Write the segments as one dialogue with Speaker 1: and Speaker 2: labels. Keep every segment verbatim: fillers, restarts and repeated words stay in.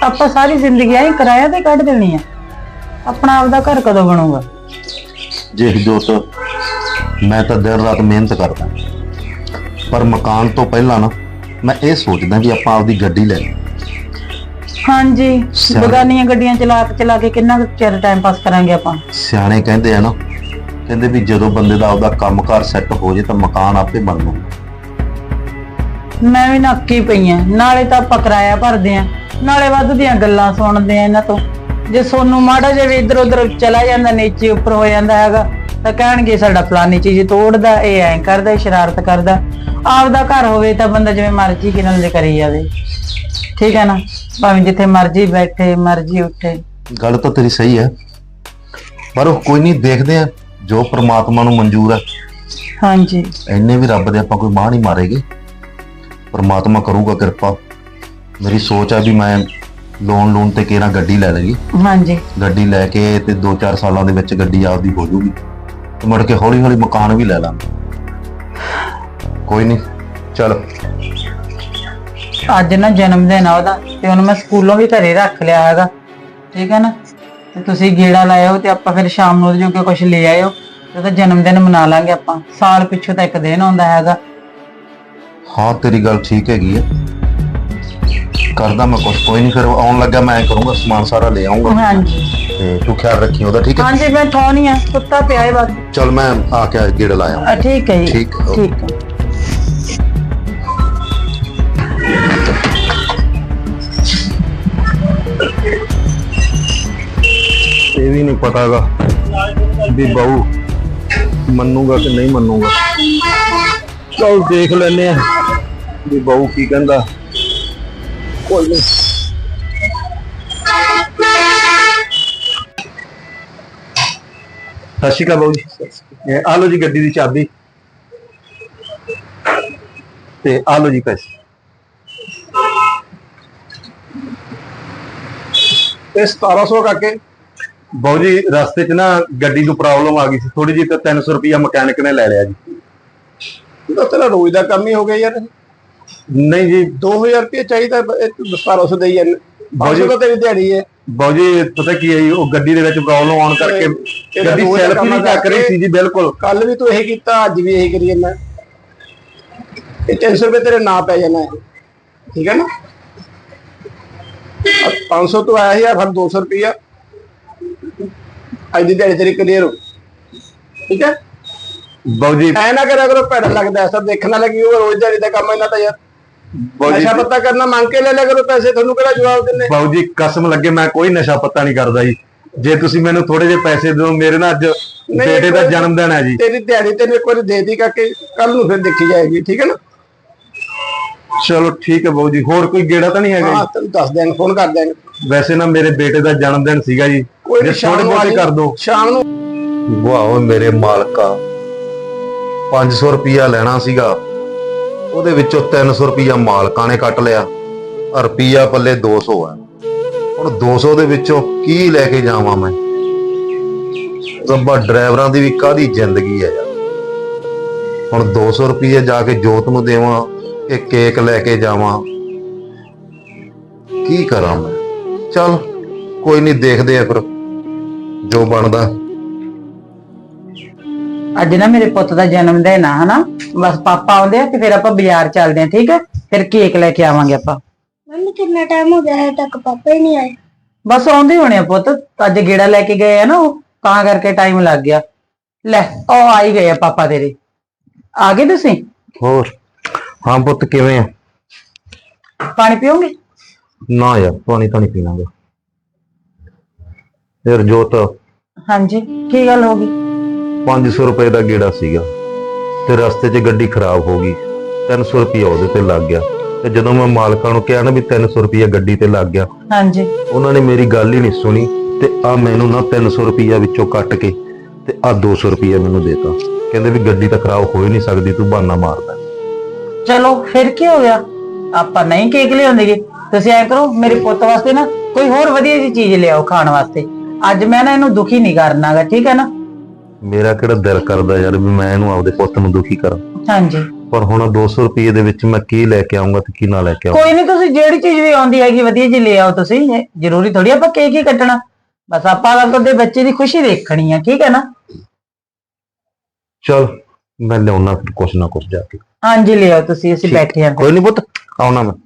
Speaker 1: ਆਪਾਂ ਸਾਰੀ ਜ਼ਿੰਦਗੀ ਐਂ ਕਿਰਾਇਆ ਤੇ ਕੱਢ ਦੇਣੀ ਆ। ਆਪਣਾ ਆਪਦਾ ਘਰ ਕਦੋਂ ਬਣੂਗਾ?
Speaker 2: ਜੇ ਜੋਤ, ਮੈਂ ਤਾਂ ਦਿਨ ਰਾਤ ਮਿਹਨਤ ਕਰਦਾ, ਪਰ ਮਕਾਨ ਤੋਂ ਪਹਿਲਾਂ ਨਾ ਮੈਂ ਇਹ ਸੋਚਦਾ ਵੀ ਆਪਾਂ ਆਪਦੀ ਗੱਡੀ ਲੈ ਲਈਏ।
Speaker 1: ਹਾਂਜੀ, ਬਗਾਨੀਆਂ ਗੱਡੀਆਂ ਚਲਾ ਕੇ ਚਲਾ ਕੇ ਕਿੰਨਾ ਕੁ ਚਿਰ ਟਾਈਮ ਪਾਸ ਕਰਾਂਗੇ ਆਪਾਂ।
Speaker 2: ਸਿਆਣੇ ਕਹਿੰਦੇ ਆ ਨਾ, ਕਹਿੰਦੇ ਵੀ ਜਦੋਂ ਬੰਦੇ ਦਾ ਆਪਦਾ ਕੰਮਕਾਰ ਸੈੱਟ ਹੋ ਜੇ ਤਾਂ ਮਕਾਨ ਆਪੇ ਬਣੂ।
Speaker 1: ਮੈਂ ਵੀ ਨੱਕੀ ਪਈ ਆ, ਨਾਲੇ ਤਾਂ ਆਪਾਂ ਕਿਰਾਇਆ ਭਰਦੇ ਆ, ਨਾਲੇ ਵੱਧ ਦੀਆਂ ਗੱਲਾਂ ਸੁਣਦੇ ਆ ਇਹਨਾਂ ਤੋਂ। ਜੇ ਸੋਨੂੰ ਮਾੜਾ ਜਿਹਾ ਵੀ ਇੱਧਰ ਉੱਧਰ ਚਲਾ ਜਾਂਦਾ, ਨੀਚੇ ਉੱਪਰ ਹੋ ਜਾਂਦਾ ਹੈਗਾ, ਤਾਂ ਕਹਿਣਗੇ ਸਾਡਾ ਫਲਾਨੀ ਚੀਜ਼ ਤੋੜਦਾ, ਇਹ ਐਂ ਕਰਦਾ, ਸ਼ਰਾਰਤ ਕਰਦਾ। ਆਪਦਾ ਘਰ ਹੋਵੇ ਤਾਂ ਬੰਦਾ ਜਿਵੇਂ ਮਰਜ਼ੀ ਕਿਨਾਂ ਦੇ ਕਰੀ ਜਾਵੇ, ਠੀਕ ਹੈ ਨਾ, ਭਾਵੇਂ ਜਿੱਥੇ ਮਰਜ਼ੀ ਬੈਠੇ ਮਰਜ਼ੀ ਉੱਠੇ।
Speaker 2: ਗੱਲ ਤਾਂ ਤੇਰੀ ਸਹੀ ਹੈ, ਪਰ ਉਹ ਕੋਈ ਨਹੀਂ, ਦੇਖਦੇ ਆ ਜੋ ਪ੍ਰਮਾਤਮਾ ਨੂੰ ਮਨਜ਼ੂਰ ਹੈ।
Speaker 1: ਹਾਂਜੀ,
Speaker 2: ਇੰਨੇ ਵੀ ਰੱਬ ਦੇ ਆਪਾਂ ਕੋਈ ਬਾਂਹ ਨਹੀਂ ਮਾਰੇਗੇ, ਪ੍ਰਮਾਤਮਾ ਕਰੂਗਾ ਕਿਰਪਾ। ਮੇਰੀ ਸੋਚ ਆ ਵੀ ਮੈਂ ਲੋਨ ਲੋਨ ਤੇ ਕਿਹੜਾ ਗੱਡੀ ਲੈ ਲਈ।
Speaker 1: ਹਾਂਜੀ,
Speaker 2: ਗੱਡੀ ਲੈ ਕੇ ਤੇ ਦੋ ਚਾਰ ਸਾਲਾਂ ਦੇ ਵਿੱਚ ਗੱਡੀ ਆਪਦੀ ਹੋ ਜੂਗੀ ਤੇ ਮੁੜ ਕੇ ਹੌਲੀ ਹੌਲੀ ਮਕਾਨ ਵੀ ਲੈ ਲਾਂਗੇ। ਕੋਈ ਨਹੀਂ, ਚਲ।
Speaker 1: ਅੱਜ ਨਾ ਜਨਮ ਦਿਨ ਆ ਉਹਦਾ, ਤੇ ਉਹਨੂੰ ਮੈਂ ਸਕੂਲੋਂ ਵੀ ਘਰੇ ਰੱਖ ਲਿਆ ਹੈਗਾ, ਠੀਕ ਹੈ ਨਾ। ਤੇ ਤੁਸੀਂ ਗੇੜਾ ਲਾਇਓ ਤੇ ਆਪਾਂ ਫਿਰ ਸ਼ਾਮ ਨੂੰ ਉਹਦੇ ਜੋਗੇ ਕੁਝ ਲੈ ਆਇਓ, ਤੇ ਉਹਦਾ ਜਨਮ ਦਿਨ ਮਨਾ ਲਾਂਗੇ ਆਪਾਂ। ਸਾਲ ਪਿੱਛੋਂ ਤਾਂ ਇੱਕ ਦਿਨ ਆਉਂਦਾ ਹੈਗਾ।
Speaker 2: ਹਾਂ, ਤੇਰੀ ਗੱਲ ਠੀਕ ਹੈਗੀ ਹੈ, ਕਰਦਾ ਮੈਂ ਕੁਛ। ਕੋਈ ਨਹੀਂ, ਫਿਰ ਆਉਣ ਲੱਗਾ ਮੈਂ ਕਰੂੰਗਾ, ਸਮਾਨ ਸਾਰਾ ਲੈ ਆਉਂਗਾ।
Speaker 1: ਹਾਂਜੀ,
Speaker 2: ਤੇ ਤੂੰ ਖਿਆਲ ਰੱਖੀ ਉਹਦਾ, ਠੀਕ ਹੈ?
Speaker 1: ਹਾਂਜੀ, ਮੈਂ ਠਾਉਣੀ ਆ, ਕੁੱਤਾ ਪਿਆ ਹੈ ਬਸ।
Speaker 2: ਚਲ ਮੈਂ ਆ ਕੇ ਗੇੜਾ ਲਾਇਆ।
Speaker 1: ਠੀਕ ਹੈ ਜੀ,
Speaker 2: ਠੀਕ ਹੈ,
Speaker 1: ਠੀਕ ਹੈ।
Speaker 2: ਇਹ ਵੀ ਨਹੀਂ ਪਤਾਗਾ ਵੀ ਬਾਊ ਮੰਨੂਗਾ ਕਿ ਨਹੀਂ ਮੰਨੂਗਾ। ਚਲ ਦੇਖ ਲੈਨੇ ਆ ਵੀ ਬਾਊ ਕੀ ਕਹਿੰਦਾ। ਕੋਈ ਨਹੀਂ। ਸਤਿ ਸ਼੍ਰੀ ਅਕਾਲ ਬਾਊ ਜੀ। ਇਹ ਆ ਲਓ ਜੀ ਗੱਡੀ ਦੀ ਚਾਬੀ, ਤੇ ਆ ਲਓ ਜੀ ਪੈਸੇ। ਇਹ ਸਤਾਰਾਂ ਸੌ ਕਾਕੇ। ਬਾਊ ਜੀ, ਰਸਤੇ 'ਚ ਨਾ ਗੱਡੀ ਨੂੰ ਪ੍ਰੋਬਲਮ ਆ ਗਈ ਸੀ ਥੋੜੀ ਜਿਹੀ, ਤਾਂ ਤਿੰਨ ਸੌ ਰੁਪਇਆ ਮਕੈਨਿਕ ਨੇ ਲੈ ਲਿਆ ਜੀ।
Speaker 3: ਇਹ ਤਾਂ ਤੇਰਾ ਰੋਜ਼ ਦਾ ਕੰਮ ਹੀ ਹੋ ਗਿਆ ਯਾਰ।
Speaker 2: ਨਹੀਂ ਜੀ,
Speaker 3: ਦੋ ਹਜ਼ਾਰ ਰੁਪਏ ਚਾਹੀਦਾ, ਸਤਾਰਾਂ ਸੌ ਦੇਈ ਜਾਂਦੇ।
Speaker 2: ਬਾਊ ਜੀ,
Speaker 3: ਤਾਂ ਤੇਰੀ ਦਿਹਾੜੀ ਹੈ।
Speaker 2: ਬਾਊ ਜੀ ਪਤਾ ਕੀ ਹੈ ਜੀ, ਉਹ ਗੱਡੀ ਦੇ ਵਿੱਚ ਪ੍ਰੋਬਲਮ ਆਉਣ ਕਰਕੇ ਗੱਡੀ ਸੈਲਫ ਹੀ ਨਹੀਂ ਚੱਕ ਰਹੀ ਸੀ ਜੀ। ਬਿਲਕੁਲ,
Speaker 3: ਕੱਲ ਵੀ ਤੂੰ ਇਹੀ ਕੀਤਾ, ਅੱਜ ਵੀ ਇਹੀ ਕਰੀ ਜਾਂਦਾ। ਇਹ ਤਿੰਨ ਸੌ ਰੁਪਏ ਤੇਰੇ ਨਾਂ ਪੈ ਜਾਣਾ ਹੈ, ਠੀਕ ਹੈ ਨਾ। ਪੰਜ ਸੌ ਤੋਂ ਆਇਆ ਸੀ ਯਾਰ, ਫਿਰ ਦੋ ਸੌ ਰੁਪਇਆ ਅੱਜ ਦੀ ਦਿਹਾੜੀ ਤੇਰੀ ਕਲੀਅਰ ਹੋ, ਠੀਕ ਹੈ।
Speaker 2: ਬਾਊ ਜੀ
Speaker 3: ਐ ਨਾ ਕਰਿਆ ਕਰੋ, ਭੈੜਾ ਲੱਗਦਾ ਐਸਾ ਦੇਖਣ ਵਾਲਾ ਕਿ ਉਹ ਰੋਜ਼ ਦਿਹਾੜੀ ਦਾ ਕੰਮ ਇਹਨਾਂ ਦਾ ਯਾਰ। ਨਸ਼ਾ ਪੱਤਾ ਕਰਨਾ ਮੰਗ ਕੇ ਲੈ ਲਿਆ ਕਰੋ ਪੈਸੇ, ਤੁਹਾਨੂੰ ਕਿਹੜਾ ਜਵਾਬ ਦਿੰਦੇ।
Speaker 2: ਬਾਊ ਜੀ ਕਸਮ ਲੱਗੇ ਮੈਂ ਕੋਈ ਨਸ਼ਾ ਪੱਤਾ ਨਹੀਂ ਕਰਦਾ ਜੀ। ਜੇ ਤੁਸੀਂ ਮੈਨੂੰ ਥੋੜੇ ਜਿਹੇ ਪੈਸੇ ਦਿਓ, ਮੇਰੇ ਨਾਲ ਅੱਜ ਬੇਟੇ ਦਾ ਜਨਮ ਦਿਨ ਹੈ ਜੀ।
Speaker 3: ਤੇਰੀ ਦਿਹਾੜੀ ਤੈਨੂੰ ਇੱਕ ਵਾਰੀ ਦੇ ਦੀ ਕਰਕੇ, ਕੱਲ ਨੂੰ ਫਿਰ ਦੇਖੀ ਜਾਏਗੀ, ਠੀਕ ਹੈ ਨਾ।
Speaker 2: ਚਲੋ ਠੀਕ ਹੈ ਬਾਊ ਜੀ। ਹੋਰ ਕੋਈ ਗੇੜਾ ਤਾਂ ਨਹੀਂ ਹੈਗਾ?
Speaker 3: ਹਾਂ, ਤੈਨੂੰ ਦੱਸ ਦਿਆਂਗੇ, ਫੋਨ ਕਰ ਦਿਆਂਗੇ।
Speaker 2: ਵੈਸੇ ਨਾ ਮੇਰੇ ਬੇਟੇ ਦਾ ਜਨਮ ਦਿਨ ਸੀਗਾ ਜੀ,
Speaker 3: ਕੋਈ
Speaker 2: ਥੋੜੇ ਬਹੁਤੇ ਕਰ ਦੋ
Speaker 3: ਸ਼ਾਮ ਨੂੰ।
Speaker 2: ਵਾਹ ਮੇਰੇ ਮਾਲਕਾ, ਪੰਜ ਸੌ ਰੁਪਇਆ ਲੈਣਾ ਸੀਗਾ, ਉਹਦੇ ਵਿੱਚੋਂ ਤਿੰਨ ਸੌ ਰੁਪਇਆ ਮਾਲਕਾਂ ਨੇ ਕੱਟ ਲਿਆ, ਰੁਪਈਆ ਪੱਲੇ ਦੋ ਸੌ ਹੈ। ਹੁਣ ਦੋ ਸੌ ਦੇ ਵਿੱਚੋਂ ਕੀ ਲੈ ਕੇ ਜਾਵਾਂ ਮੈਂ? ਰੱਬਾ, ਡਰਾਈਵਰਾਂ ਦੀ ਵੀ ਕਾਹਦੀ ਜ਼ਿੰਦਗੀ ਹੈ ਯਾਰ। ਹੁਣ ਦੋ ਸੌ ਰੁਪਏ ਜਾ ਕੇ ਜੋਤ ਨੂੰ ਦੇਵਾਂ ਕਿ ਕੇਕ ਲੈ ਕੇ ਜਾਵਾਂ? ਕੀ ਕਰਾਂ ਮੈਂ? ਚੱਲ ਕੋਈ ਨਹੀਂ, ਦੇਖਦੇ ਆ ਫਿਰ ਜੋ ਬਣਦਾ।
Speaker 1: ਅੱਜ ਨਾ ਮੇਰੇ ਪੁੱਤ ਦਾ ਜਨਮ ਦਿਨ ਆ, ਹਨਾ। ਬਸ ਪਾਪਾ ਆਉਂਦੇ ਆ ਤੇ ਫਿਰ ਆਪਾਂ ਬਾਜ਼ਾਰ ਚੱਲਦੇ ਆ, ਠੀਕ ਹੈ। ਫਿਰ ਕੇਕ ਲੈ ਕੇ ਆਵਾਂਗੇ ਆਪਾਂ।
Speaker 4: ਮੰਮੀ ਕਿੰਨਾ ਟਾਈਮ ਹੋ ਗਿਆ ਹੈ ਤੱਕ ਪਾਪਾ ਹੀ ਨਹੀਂ ਆਏ।
Speaker 1: ਬਸ ਆਉਂਦੇ ਹੋਣੇ ਆ ਪੁੱਤ, ਅੱਜ ਗੇੜਾ ਲੈ ਕੇ ਗਏ ਆ ਨਾ ਉਹ, ਤਾਂ ਕਰਕੇ ਟਾਈਮ ਲੱਗ ਗਿਆ। ਲੈ ਉਹ ਆ ਹੀ ਗਏ ਆ ਪਾਪਾ ਤੇਰੇ। ਆ ਗਏ ਤੁਸੀਂ?
Speaker 2: ਹੋਰ? ਹਾਂ ਪੁੱਤ, ਕਿਵੇਂ ਆ?
Speaker 1: ਪਾਣੀ ਪੀਓਗੇ?
Speaker 2: ਨਾ ਯਾਰ, ਪਾਣੀ ਤਾਂ ਨਹੀਂ ਪੀਣਾਗਾ। ਯਾਰ ਜੋਤ,
Speaker 1: ਹਾਂਜੀ, ਕੀ ਗੱਲ ਹੋ ਗਈ?
Speaker 2: ਪੰਜ ਸੌ ਰੁਪਏ ਦਾ ਗੇੜਾ ਸੀਗਾ ਤੇ ਰਸਤੇ 'ਚ ਗੱਡੀ ਖਰਾਬ ਹੋ ਗਈ, ਤਿੰਨ ਸੌ ਰੁਪਇਆ ਉਹਦੇ ਤੇ ਲੱਗ ਗਿਆ। ਤੇ ਜਦੋਂ ਮੈਂ ਮਾਲਕਾਂ ਨੂੰ ਕਿਹਾ ਨਾ ਵੀ ਤਿੰਨ ਸੌ ਰੁਪਇਆ ਗੱਡੀ ਤੇ ਲੱਗ ਗਿਆ,
Speaker 1: ਹਾਂਜੀ,
Speaker 2: ਉਹਨਾਂ ਨੇ ਮੇਰੀ ਗੱਲ ਹੀ ਨਹੀਂ ਸੁਣੀ ਤੇ ਆ ਮੈਨੂੰ ਨਾ ਤਿੰਨ ਸੌ ਰੁਪਇਆ ਵਿੱਚੋਂ ਕੱਟ ਕੇ ਤੇ ਆ ਦੋ ਸੌ ਰੁਪਇਆ ਮੈਨੂੰ ਦੇਤਾ। ਕਹਿੰਦੇ ਵੀ ਗੱਡੀ ਤਾਂ ਖਰਾਬ ਹੋ ਹੀ ਨਹੀਂ ਸਕਦੀ, ਤੂੰ ਬਹਾਨਾ ਮਾਰਦਾ।
Speaker 1: ਚਲੋ ਫਿਰ ਕੀ ਹੋ ਗਿਆ, ਆਪਾਂ ਨਹੀਂ ਕੇਕ ਲਿਆਉਂਦੇਗੇ। ਤੁਸੀਂ ਐ ਕਰੋ, ਮੇਰੇ ਪੁੱਤ ਵਾਸਤੇ ਨਾ ਕੋਈ ਹੋਰ ਵਧੀਆ ਜਿਹੀ ਚੀਜ਼ ਲਿਆਓ ਖਾਣ ਵਾਸਤੇ। ਅੱਜ ਮੈਂ ਨਾ ਇਹਨੂੰ ਦੁਖੀ ਨਹੀਂ ਕਰਨਾਗਾ, ਠੀਕ ਹੈ ਨਾ।
Speaker 2: ਮੇਰਾ ਕਿਹੜਾ ਦਿਲ ਕਰਦਾ ਯਾਰ ਵੀ ਮੈਂ ਇਹਨੂੰ ਆਪਦੇ ਪੁੱਤ ਨੂੰ ਦੁਖੀ ਕਰਾਂ।
Speaker 1: ਹਾਂਜੀ,
Speaker 2: ਪਰ ਹੁਣ ਦੋ ਸੌ ਰੁਪਏ ਦੇ ਵਿੱਚ ਮੈਂ ਕੀ ਲੈ ਕੇ ਆਉਂਗਾ ਤੇ ਕੀ ਨਾ ਲੈ ਕੇ ਆਉਂਗਾ।
Speaker 1: ਕੋਈ ਨਹੀਂ, ਤੁਸੀਂ ਜਿਹੜੀ ਚੀਜ਼ ਵੀ ਆਉਂਦੀ ਹੈਗੀ ਵਧੀਆ ਜੀ ਲੈ ਆਓ ਤੁਸੀਂ। ਇਹ ਜ਼ਰੂਰੀ ਥੋੜੀ ਆਪਾਂ ਕੇਕ ਹੀ ਕੱਟਣਾ, ਬਸ ਆਪਾਂ ਤਾਂ ਤੁਹਾਡੇ ਬੱਚੇ ਦੀ ਖੁਸ਼ੀ ਦੇਖਣੀ ਆ, ਠੀਕ ਹੈ ਨਾ।
Speaker 2: ਚਲ ਮੈਂ ਲਿਆਉਣਾ ਫਿਰ ਕੁਛ ਨਾ ਕੁਛ ਜਾ ਕੇ।
Speaker 1: ਹਾਂਜੀ ਲੈ ਆਓ ਤੁਸੀਂ, ਅਸੀਂ ਬੈਠੇ ਹਾਂ।
Speaker 2: ਕੋਈ ਨਹੀਂ ਪੁੱਤ, ਆਉਣਾ ਮੈਂ।